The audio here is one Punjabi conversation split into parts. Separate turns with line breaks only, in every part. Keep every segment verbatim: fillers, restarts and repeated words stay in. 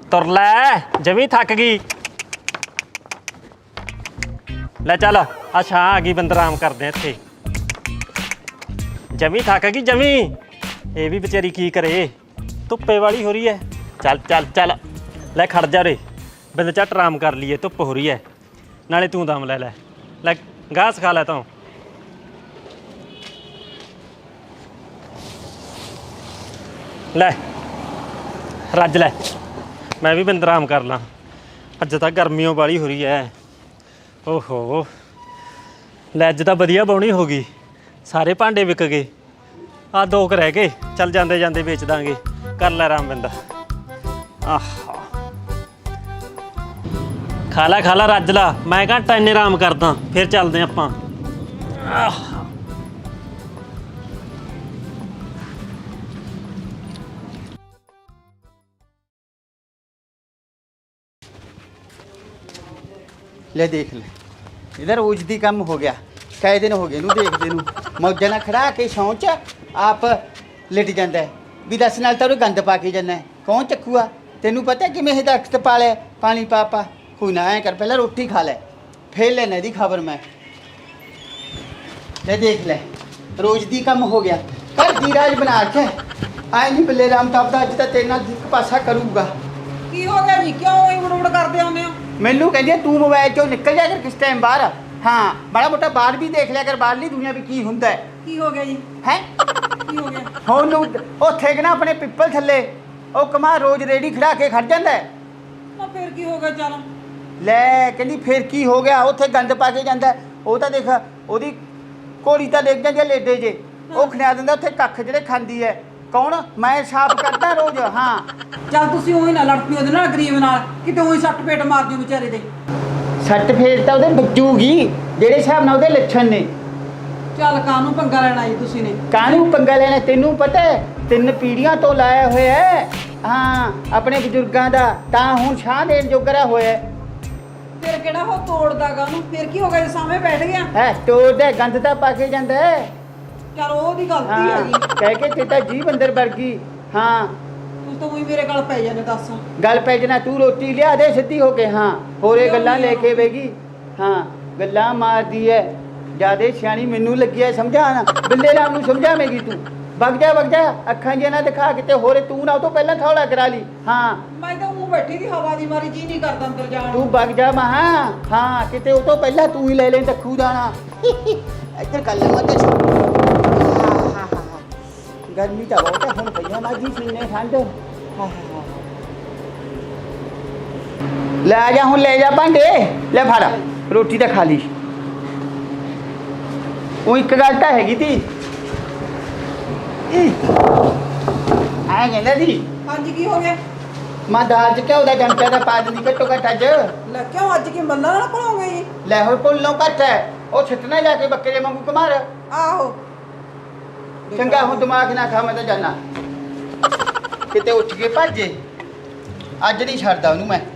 तुर लै जमी थक गई लै चल आ छां आ गई बंद आराम करते हैं इत्थे जमी थक गई जमी ये भी बेचारी की करे धुप्पे वाली हो रही है चल चल चल लै खड़ जा रे बंद झट आराम कर लीए धुप्प हो रही है नाले तू दम लै लै लै गाह सिखा लै तू लै रज लै मैं भी बंद आराम कर ला अज तो गर्मियों वाली हो रही है ओहो लै अज तो वधिया बौनी हो गई सारे भांडे विक गए आ दो क रह गए चल जाते जाते बेच देंगे कर लै आराम बंदा आह खा ला खा ला रज ला मैं घंटा इन्ने आराम करदा फिर चलते आपां आह
ले देख ले इधर उजदी कम हो गया कई दिन हो गए नू देखदे नू मौजा ना खड़ा के सौं च आप लिट जांदा है भी दस नाल तां गंद पा के जाना है कौन चक्कूआ तेनू पता कि मैं दरख्त पा ले पानी पा पा कोई ना ऐ कर पहले रोटी खा ले फिर लेना दी खबर मैं ले देख ले रोज दी कम हो गया कर धीराज बना के आए नहीं बल्ले राम ताप दा अज तां तेरे नाल एक पासा करूंगा
की हो गया जी क्यों उड़ उड़ करदे आउंदे हो
मैनू कहती तू मोबाइल चो निकल जा कर किस टाइम बाहर हाँ बड़ा मोटा बाहर भी देख लिया कर बाहरली दुनिया भी की हुंदा है
की हो गया जी
है
की हो गया
ਹੁਣ ਉੱਥੇ ਕਿ ਨਾ ਆਪਣੇ ਪਿੱਪਲ ਥੱਲੇ ਉਹ ਕਮਾ ਰੋਜ਼ ਰੇੜੀ ਖੜਾ ਕੇ ਖੜ ਜਾਂਦਾ ਹੈ
ਨਾ ਫਿਰ ਕੀ ਹੋ ਗਿਆ ਚੱਲ
ਲੈ ਕਹਿੰਦੀ ਫਿਰ ਕੀ ਹੋ ਗਿਆ ਉੱਥੇ ਗੰਦ ਪਾ ਕੇ ਜਾਂਦਾ ਉਹ ਤਾਂ ਦੇਖ ਉਹਦੀ ਘੋੜੀ ਤਾਂ ਦੇਖ ਜਾਂਦੀ ਹੈ ਲੇਡੇ ਜੇ ਉਹ ਖਿਆ ਦਿੰਦਾ ਉੱਥੇ ਕੱਖ ਜਿਹੜੇ ਖਾਂਦੀ ਹੈ ਕੌਣ ਮੈਂ ਸਾਫ਼ ਕਰਦਾ ਰੋਜ਼ ਹਾਂ
ਚੱਲ ਤੁਸੀਂ ਉਹੀ ਨਾ ਲੜ ਪਿਓ ਉਹਦੇ ਨਾਲ ਗਰੀਬ ਨਾਲ ਕਿਤੇ ਉਹੀ ਸੱਟ ਪੇਟ ਮਾਰ ਦਿਓ ਵਿਚਾਰੇ ਦੇ
ਸੱਟ ਫੇਰ ਤਾਂ ਉਹਦੇ ਵੱਜੂਗੀ ਜਿਹੜੇ ਹਿਸਾਬ ਨਾਲ ਉਹਦੇ ਲੱਛਣ ਨੇ
ਚੱਲ ਕਾਹਨੂੰ ਪੰਗਾ ਲੈਣਾ ਜੀ ਤੁਸੀਂ ਨੇ
ਕਾਹਨੂੰ ਪੰਗਾ ਲੈਣਾ ਤੈਨੂੰ ਪਤਾ ਹੈ ਤਿੰਨ ਪੀੜ੍ਹੀਆਂ ਤੋਂ ਲਾਇਆ ਹੋਇਆ ਹੈ ਹਾਂ ਆਪਣੇ ਬਜ਼ੁਰਗਾਂ ਦਾ ਤਾਂ ਹੁਣ ਛਾਂ ਦੇਣ ਜੋਗਰਾ ਹੋਇਆ
ਫਿਰ ਕਿਹੜਾ ਉਹ ਤੋੜਦਾਗਾ ਉਹਨੂੰ ਫਿਰ ਕੀ ਹੋ ਗਿਆ ਜੇ ਸਾਹਮਣੇ ਬੈਠ ਗਿਆ
ਹੈ ਤੋੜਦਾ ਗੰਦ ਤਾਂ ਪਾ ਕੇ ਜਾਂਦਾ ਹੈ
ਚੱਲ ਉਹਦੀ ਗਲਤੀ
ਹਾਂ
ਹੈਗੀ
ਕਹਿ ਕੇ ਤੇਤਾ ਜੀਭ ਅੰਦਰ ਵੜ ਗਈ ਹਾਂ
ਤੂੰ ਤਾਂ ਉਹੀ ਮੇਰੇ ਗੱਲ ਪੈ ਜਾਂਦੇ ਦੱਸ
ਗੱਲ ਪੈ ਜਣਾ ਤੂੰ ਰੋਟੀ ਲਿਆ ਦੇ ਸਿੱਧੀ ਹੋ ਕੇ ਹਾਂ ਹੋਰੇ ਗੱਲਾਂ ਲੈ ਕੇ ਬੈਗੀ ਹਾਂ ਗੱਲਾਂ ਮਾਰਦੀ ਐ ਜਿਆਦੇ ਸਿਆਣੀ ਮੈਨੂੰ ਲੱਗੀ ਐ ਸਮਝਾਣਾ ਬਿੱਲੇ ਰਾਮ ਨੂੰ ਸਮਝਾਵੇਂਗੀ ਤੂੰ ਵਗ ਜਾ ਵਗ ਜਾ ਅੱਖਾਂ ਜਿਹਾ ਨਾ ਦਿਖਾ ਕਿਤੇ ਹੋਰੇ ਤੂੰ ਨਾ ਉਹ ਤੋਂ ਪਹਿਲਾਂ ਥੌਲਾ ਕਰਾ ਲਈ ਹਾਂ
ਮੈਂ ਤਾਂ ਉਹ ਬੈਠੀ ਦੀ ਹਵਾ ਦੀ ਮਾਰੀ ਜੀ ਨਹੀਂ ਕਰਦਾ ਅੰਦਰ ਜਾਣ
ਤੂੰ ਵਗ ਜਾ ਮਹਾ ਹਾਂ ਕਿਤੇ ਉਹ ਤੋਂ ਪਹਿਲਾਂ ਤੂੰ ਹੀ ਲੈ ਲੈ ਤੱਖੂ ਦਾਣਾ ਇੱਧਰ ਕਰ ਲੈ ਮੱਤ गर्मी तो बहुत है हम भैया माजी सीने ठंड ले जा हूँ ले जा भांडे ले फाड़ा रोटी तो खा ली वो एक गल तो हैगी थी आए कहना थी
हाँ जी की हो गया
मैं दाल च घ्यो का चमचा तो पा दी घट्टो घट्ट अज
ਲੈ ਕਿਉਂ ਅੱਜ ਕੀ ਮੱਲਾ ਨਾਲ ਭਣੋਗੇ ਜੀ
ले हो भुल्लों घट है वो छिटना जाके बकरे वांगू घुमार
ਆਹੋ
चंगा हूँ दिमाग ना खा मैं तो जाना किते उठ के भाजे अज नहीं छड़दा उन्होंने मैं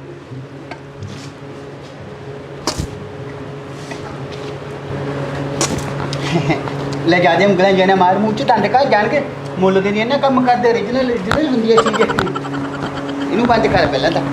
ले जा दे उंगलें जाने मार मूँह च डंड घट जान के मुल के नहीं कम करते ओरिजिनल ओरिजिनल होंगी है चीज़ इनू बंद कर पहला तो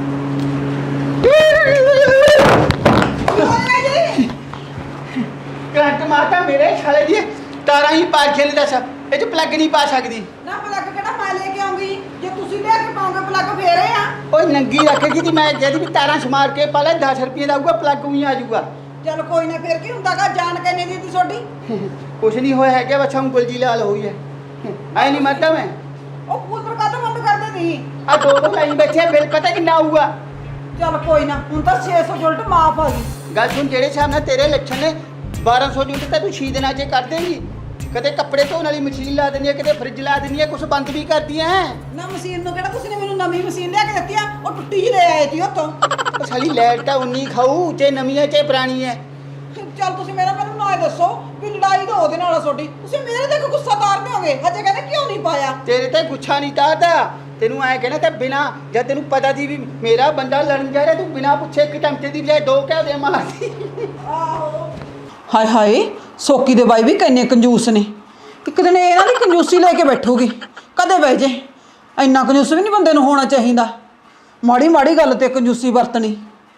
करंट मारता मेरे छाले दी तारा ही पार खेल दस ये च प्लग नहीं पा सकती
ਨਾ ਪਲੱਗ ਕਿਹੜਾ ਮੈਂ ਲੈ ਕੇ ਆਉਂਗੀ ਜੇ ਤੁਸੀਂ ਲੈ ਕੇ ਪਾਉਂਗੇ ਪਲੱਗ ਫੇਰੇ ਆ
ओए नंगी रखेगी थी मैं कहती भी तारा समार के पा ले दस रुपये का आऊगा प्लग ही आ जाऊगा
ਚੱਲ ਕੋਈ ਨਾ ਫਿਰ ਕੀ ਹੁੰਦਾਗਾ ਜਾਣ ਕੇ ਨਹੀਂ ਦਿੱਤੀ ਤੁਹਾਡੀ
कुछ नहीं होया है क्या बच्चा हम गुलजी लाल हुई है आई नहीं मारता मैं
ਉਹ ਕੂਲਰ ਕਾਹਤੋਂ ਬੰਦ ਕਰ ਦੇਣੀ
आ दो दो लाइन बैठे बिल पता कितना आऊगा
ਚੱਲ ਕੋਈ ਨਾ ਹੁਣ ਤਾਂ ਛੇ ਸੌ ਉਲਟ ਮਾਫ ਆ ਗਈ
गल सुन जेड़े साहब ने तेरे लक्षण ने बारह सौ यूनिट तो तू छे दिन च कर देंगी कदे कपड़े धोने वाली मशीन ला देनी है कदे फ्रिज ला देनी है कुछ बंद भी कर दिया है
ਨਾ ਮਸ਼ੀਨ ਨੂੰ ਕਿਹੜਾ ਤੁਸੀਂ ਨੇ ਮੈਨੂੰ ਨਵੀਂ ਮਸ਼ੀਨ ਲਿਆ ਕੇ ਦਿੱਤੀ ਆ ਉਹ ਟੁੱਟੀ ਜਿਹੀ ਲੈ ਆਏ ਸੀ ਉੱਥੋਂ
ओ साली लाइट तो उन्नी खाऊ चाहे नवी है चाहे पुरानी है
ਚੱਲ ਤੁਸੀਂ ਮੇਰਾ ਮੈਨੂੰ ਨਾ ਇਹ ਦੱਸੋ ਵੀ ਲੜਾਈ ਤਾਂ ਉਹਦੇ ਨਾਲ ਆ ਤੁਹਾਡੀ ਤੁਸੀਂ ਮੇਰੇ ਤੇ ਕਿਉਂ ਗੁੱਸਾ ਤਾਰਦੇ ਹੋਗੇ ਹਜੇ ਕਹਿੰਦੇ ਕਿਉਂ ਨਹੀਂ ਪਾਇਆ
तेरे ते गुच्छा नहीं तारदा तेनू ऐ कहना ते बिना जब तेनू पता थी भी मेरा बंदा लड़न जा रहा तू बिना पूछे एक टमटे की बजाय दो क्या दे मारती
ਆਹੋ ਹਾਏ ਹਾਏ ਸੋਕੀ ਦੇ ਬਾਈ ਵੀ ਕਿੰਨੇ ਕੰਜੂਸ ਨੇ ਇੱਕ ਦਿਨ ਇਹਨਾਂ ਦੀ ਕੰਜੂਸੀ ਲੈ ਕੇ ਬੈਠੂਗੀ ਕਦੇ ਬਹਿ ਜੇ ਇੰਨਾ ਕੰਜੂਸ ਵੀ ਨਹੀਂ ਬੰਦੇ ਨੂੰ ਹੋਣਾ ਚਾਹੀਦਾ ਮਾੜੀ ਮਾੜੀ ਗੱਲ ਤੇ ਕੰਜੂਸੀ ਵਰਤਣੀ।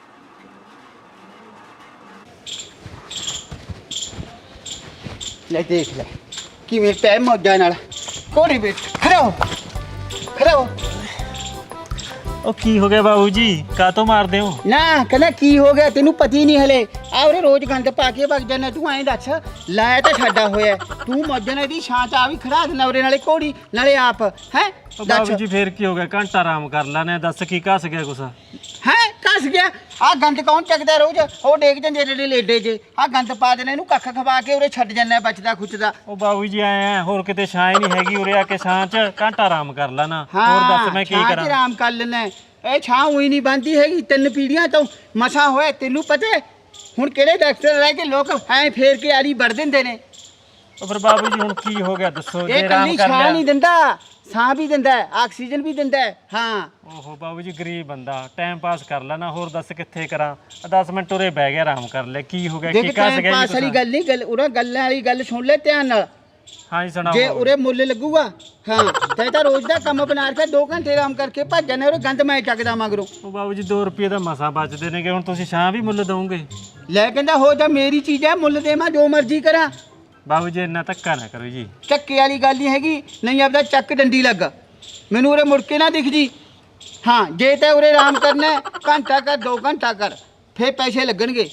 ਲੈ ਦੇਖ ਲੈ ਕਿਵੇਂ ਪੈ ਮੌਜਾਂ ਨਾਲ ਕੋੜੀ ਬੈਠ ਖੜਾ ਹੋ ਖੜਾ ਹੋ।
ਉਹ ਕੀ ਹੋ ਗਿਆ ਬਾਬੂ ਜੀ, ਕਾਹਤੋਂ ਮਾਰਦੇ ਹੋ?
ਨਾ ਕਹਿੰਦਾ ਕੀ ਹੋ ਗਿਆ ਤੈਨੂੰ ਪਤੀ ਨਹੀਂ ਹਲੇ ਆ ਉਹਨੇ ਰੋਜ਼ ਗੰਦ ਪਾ ਕੇ ਵਗ ਜਾਣਾ ਤੂੰ ਐਂ ਦੱਸ ਲਾਇਆ ਤਾਂ ਸਾਡਾ ਹੋਇਆ ਤੂੰ ਮੌਜਾਂ ਨਾਲ ਇਹਦੀ ਛਾਂ ਚ ਆ ਵੀ ਖੜਾ ਦੇਣਾ ਉਰੇ ਨਾਲੇ ਕੋੜੀ ਨਾਲੇ ਆਪ ਹੈ
ਉਹ ਬਾਬੂ ਜੀ ਫੇਰ ਕੀ ਹੋ ਗਿਆ, ਘੰਟਾ ਆਰਾਮ ਕਰ ਲੈਣੇ, ਦੱਸ ਕੀ ਘਸ ਗਿਆ ਕੁਛ?
ਹੈ ਕੱਸ ਗਿਆ ਆ ਗੰਦ ਕੌਣ ਚੱਕਦਾ ਰੋਜ਼ ਉਹ ਡੇਕ ਜਾਂਦੇ ਜਿਹੜੇ ਲੇਡੇ ਜੇ ਆ ਗੰਦ ਪਾ ਦੇਣਾ ਇਹਨੂੰ ਕੱਖ ਖਵਾ ਕੇ ਉਰੇ ਛੱਡ ਜਾਂਦਾ ਬਚਦਾ ਖੁੱਚਦਾ। ਉਹ
ਬਾਬੂ ਜੀ ਆਏ ਆ, ਹੋਰ ਕਿਤੇ ਛਾਂ ਹੀ ਨਹੀਂ ਹੈਗੀ, ਉਰੇ ਆ ਕੇ ਛਾਂ ਚ ਘੰਟਾ ਆਰਾਮ ਕਰ ਲੈਣਾ। ਹੋਰ ਦੱਸ ਮੈਂ ਕੀ ਕਰਾਂ?
ਆਰਾਮ ਕਰ ਲੈਣਾ ਇਹ ਛਾਂ ਉਹੀ ਨਹੀਂ ਬੰਦੀ ਹੈਗੀ ਤਿੰਨ ਪੀੜੀਆਂ ਤੋਂ ਮਸਾ ਹੋਇਆ ਤੈਨੂੰ ਪਤਾ ਹੁਣ ਕਿਹੜੇ ਡਾਕਟਰ ਰਹਿ ਕੇ ਲੋਕ ਐ ਫੇਰ ਕੇ ਆਰੀ ਵੜ ਦਿੰਦੇ ਨੇ।
ਉਹ ਫਿਰ ਬਾਬੂ ਜੀ ਹੁਣ ਕੀ ਹੋ ਗਿਆ ਦੱਸੋ?
ਇਹ ਕੱਲੀ ਛਾਂ ਨਹੀਂ ਦਿੰਦਾ ਸਾਹ ਵੀ ਦਿੰਦਾ ਆਕਸੀਜਨ ਵੀ ਦਿੰਦਾ ਹਾਂ।
ਓਹੋ ਬਾਬੂ ਜੀ ਗਰੀਬ ਬੰਦਾ ਟਾਈਮ ਪਾਸ ਕਰ ਲੈਣਾ, ਹੋਰ ਦੱਸ ਕਿੱਥੇ ਕਰਾਂ? ਦਸ ਮਿੰਟ ਉਰੇ ਬਹਿ ਗਿਆ ਆਰਾਮ ਕਰ ਲੈ, ਕੀ ਹੋ ਗਿਆ ਕੀ ਕੱਸ ਗਿਆ?
ਪਾਸ ਵਾਲੀ ਗੱਲ ਨਹੀਂ ਗੱਲ ਉਹਨਾਂ ਗੱਲਾਂ ਵਾਲੀ ਗੱਲ ਸੁਣ ਲੈ ਧਿਆਨ ਨਾਲ।
ਹਾਂ ਜੀ ਸੁਣਾਓ।
ਜੇ ਉਰੇ ਮੁੱਲ ਲੱਗੂਗਾ ਹਾਂ ਤੇ ਤਾਂ ਰੋਜ਼ ਦਾ ਕੰਮ ਬਣਾ ਕੇ ਦੋ ਘੰਟੇ ਆਰਾਮ ਕਰਕੇ ਭੱਜ ਜਾਣੇ ਉਰੇ ਗੰਦ ਮੈਂ ਚੱਕਦਾ ਮਗਰੋਂ।
ਉਹ ਬਾਬੂ ਜੀ ਦੋ ਰੁਪਏ ਦਾ ਮਸਾ ਬਚਦੇ ਨੇਗੇ, ਹੁਣ ਤੁਸੀਂ ਛਾਂ ਵੀ ਮੁੱਲ ਦਵੋਗੇ?
ਲੈ ਕਹਿੰਦਾ ਹੋ ਜਾ ਮੇਰੀ ਚੀਜ਼ ਹੈ ਮੁੱਲ ਦੇਵਾਂ ਜੋ ਮਰਜ਼ੀ ਕਰਾਂ।
ਬਾਬੂ ਜੀ ਇੰਨਾ ਧੱਕਾ ਨਾ ਕਰੋ ਜੀ।
ਚੱਕੇ ਵਾਲੀ ਗੱਲ ਨਹੀਂ ਹੈਗੀ ਨਹੀਂ ਆਪਦਾ ਚੱਕ ਡੰਡੀ ਲੱਗ ਮੈਨੂੰ ਉਰੇ ਮੁੜ ਕੇ ਨਾ ਦਿਖ ਜੀ। ਹਾਂ ਜੇ ਤਾਂ ਉਰੇ ਆਰਾਮ ਕਰਨਾ ਘੰਟਾ ਕਰ ਦੋ ਘੰਟਾ ਕਰ ਫੇਰ ਪੈਸੇ ਲੱਗਣਗੇ।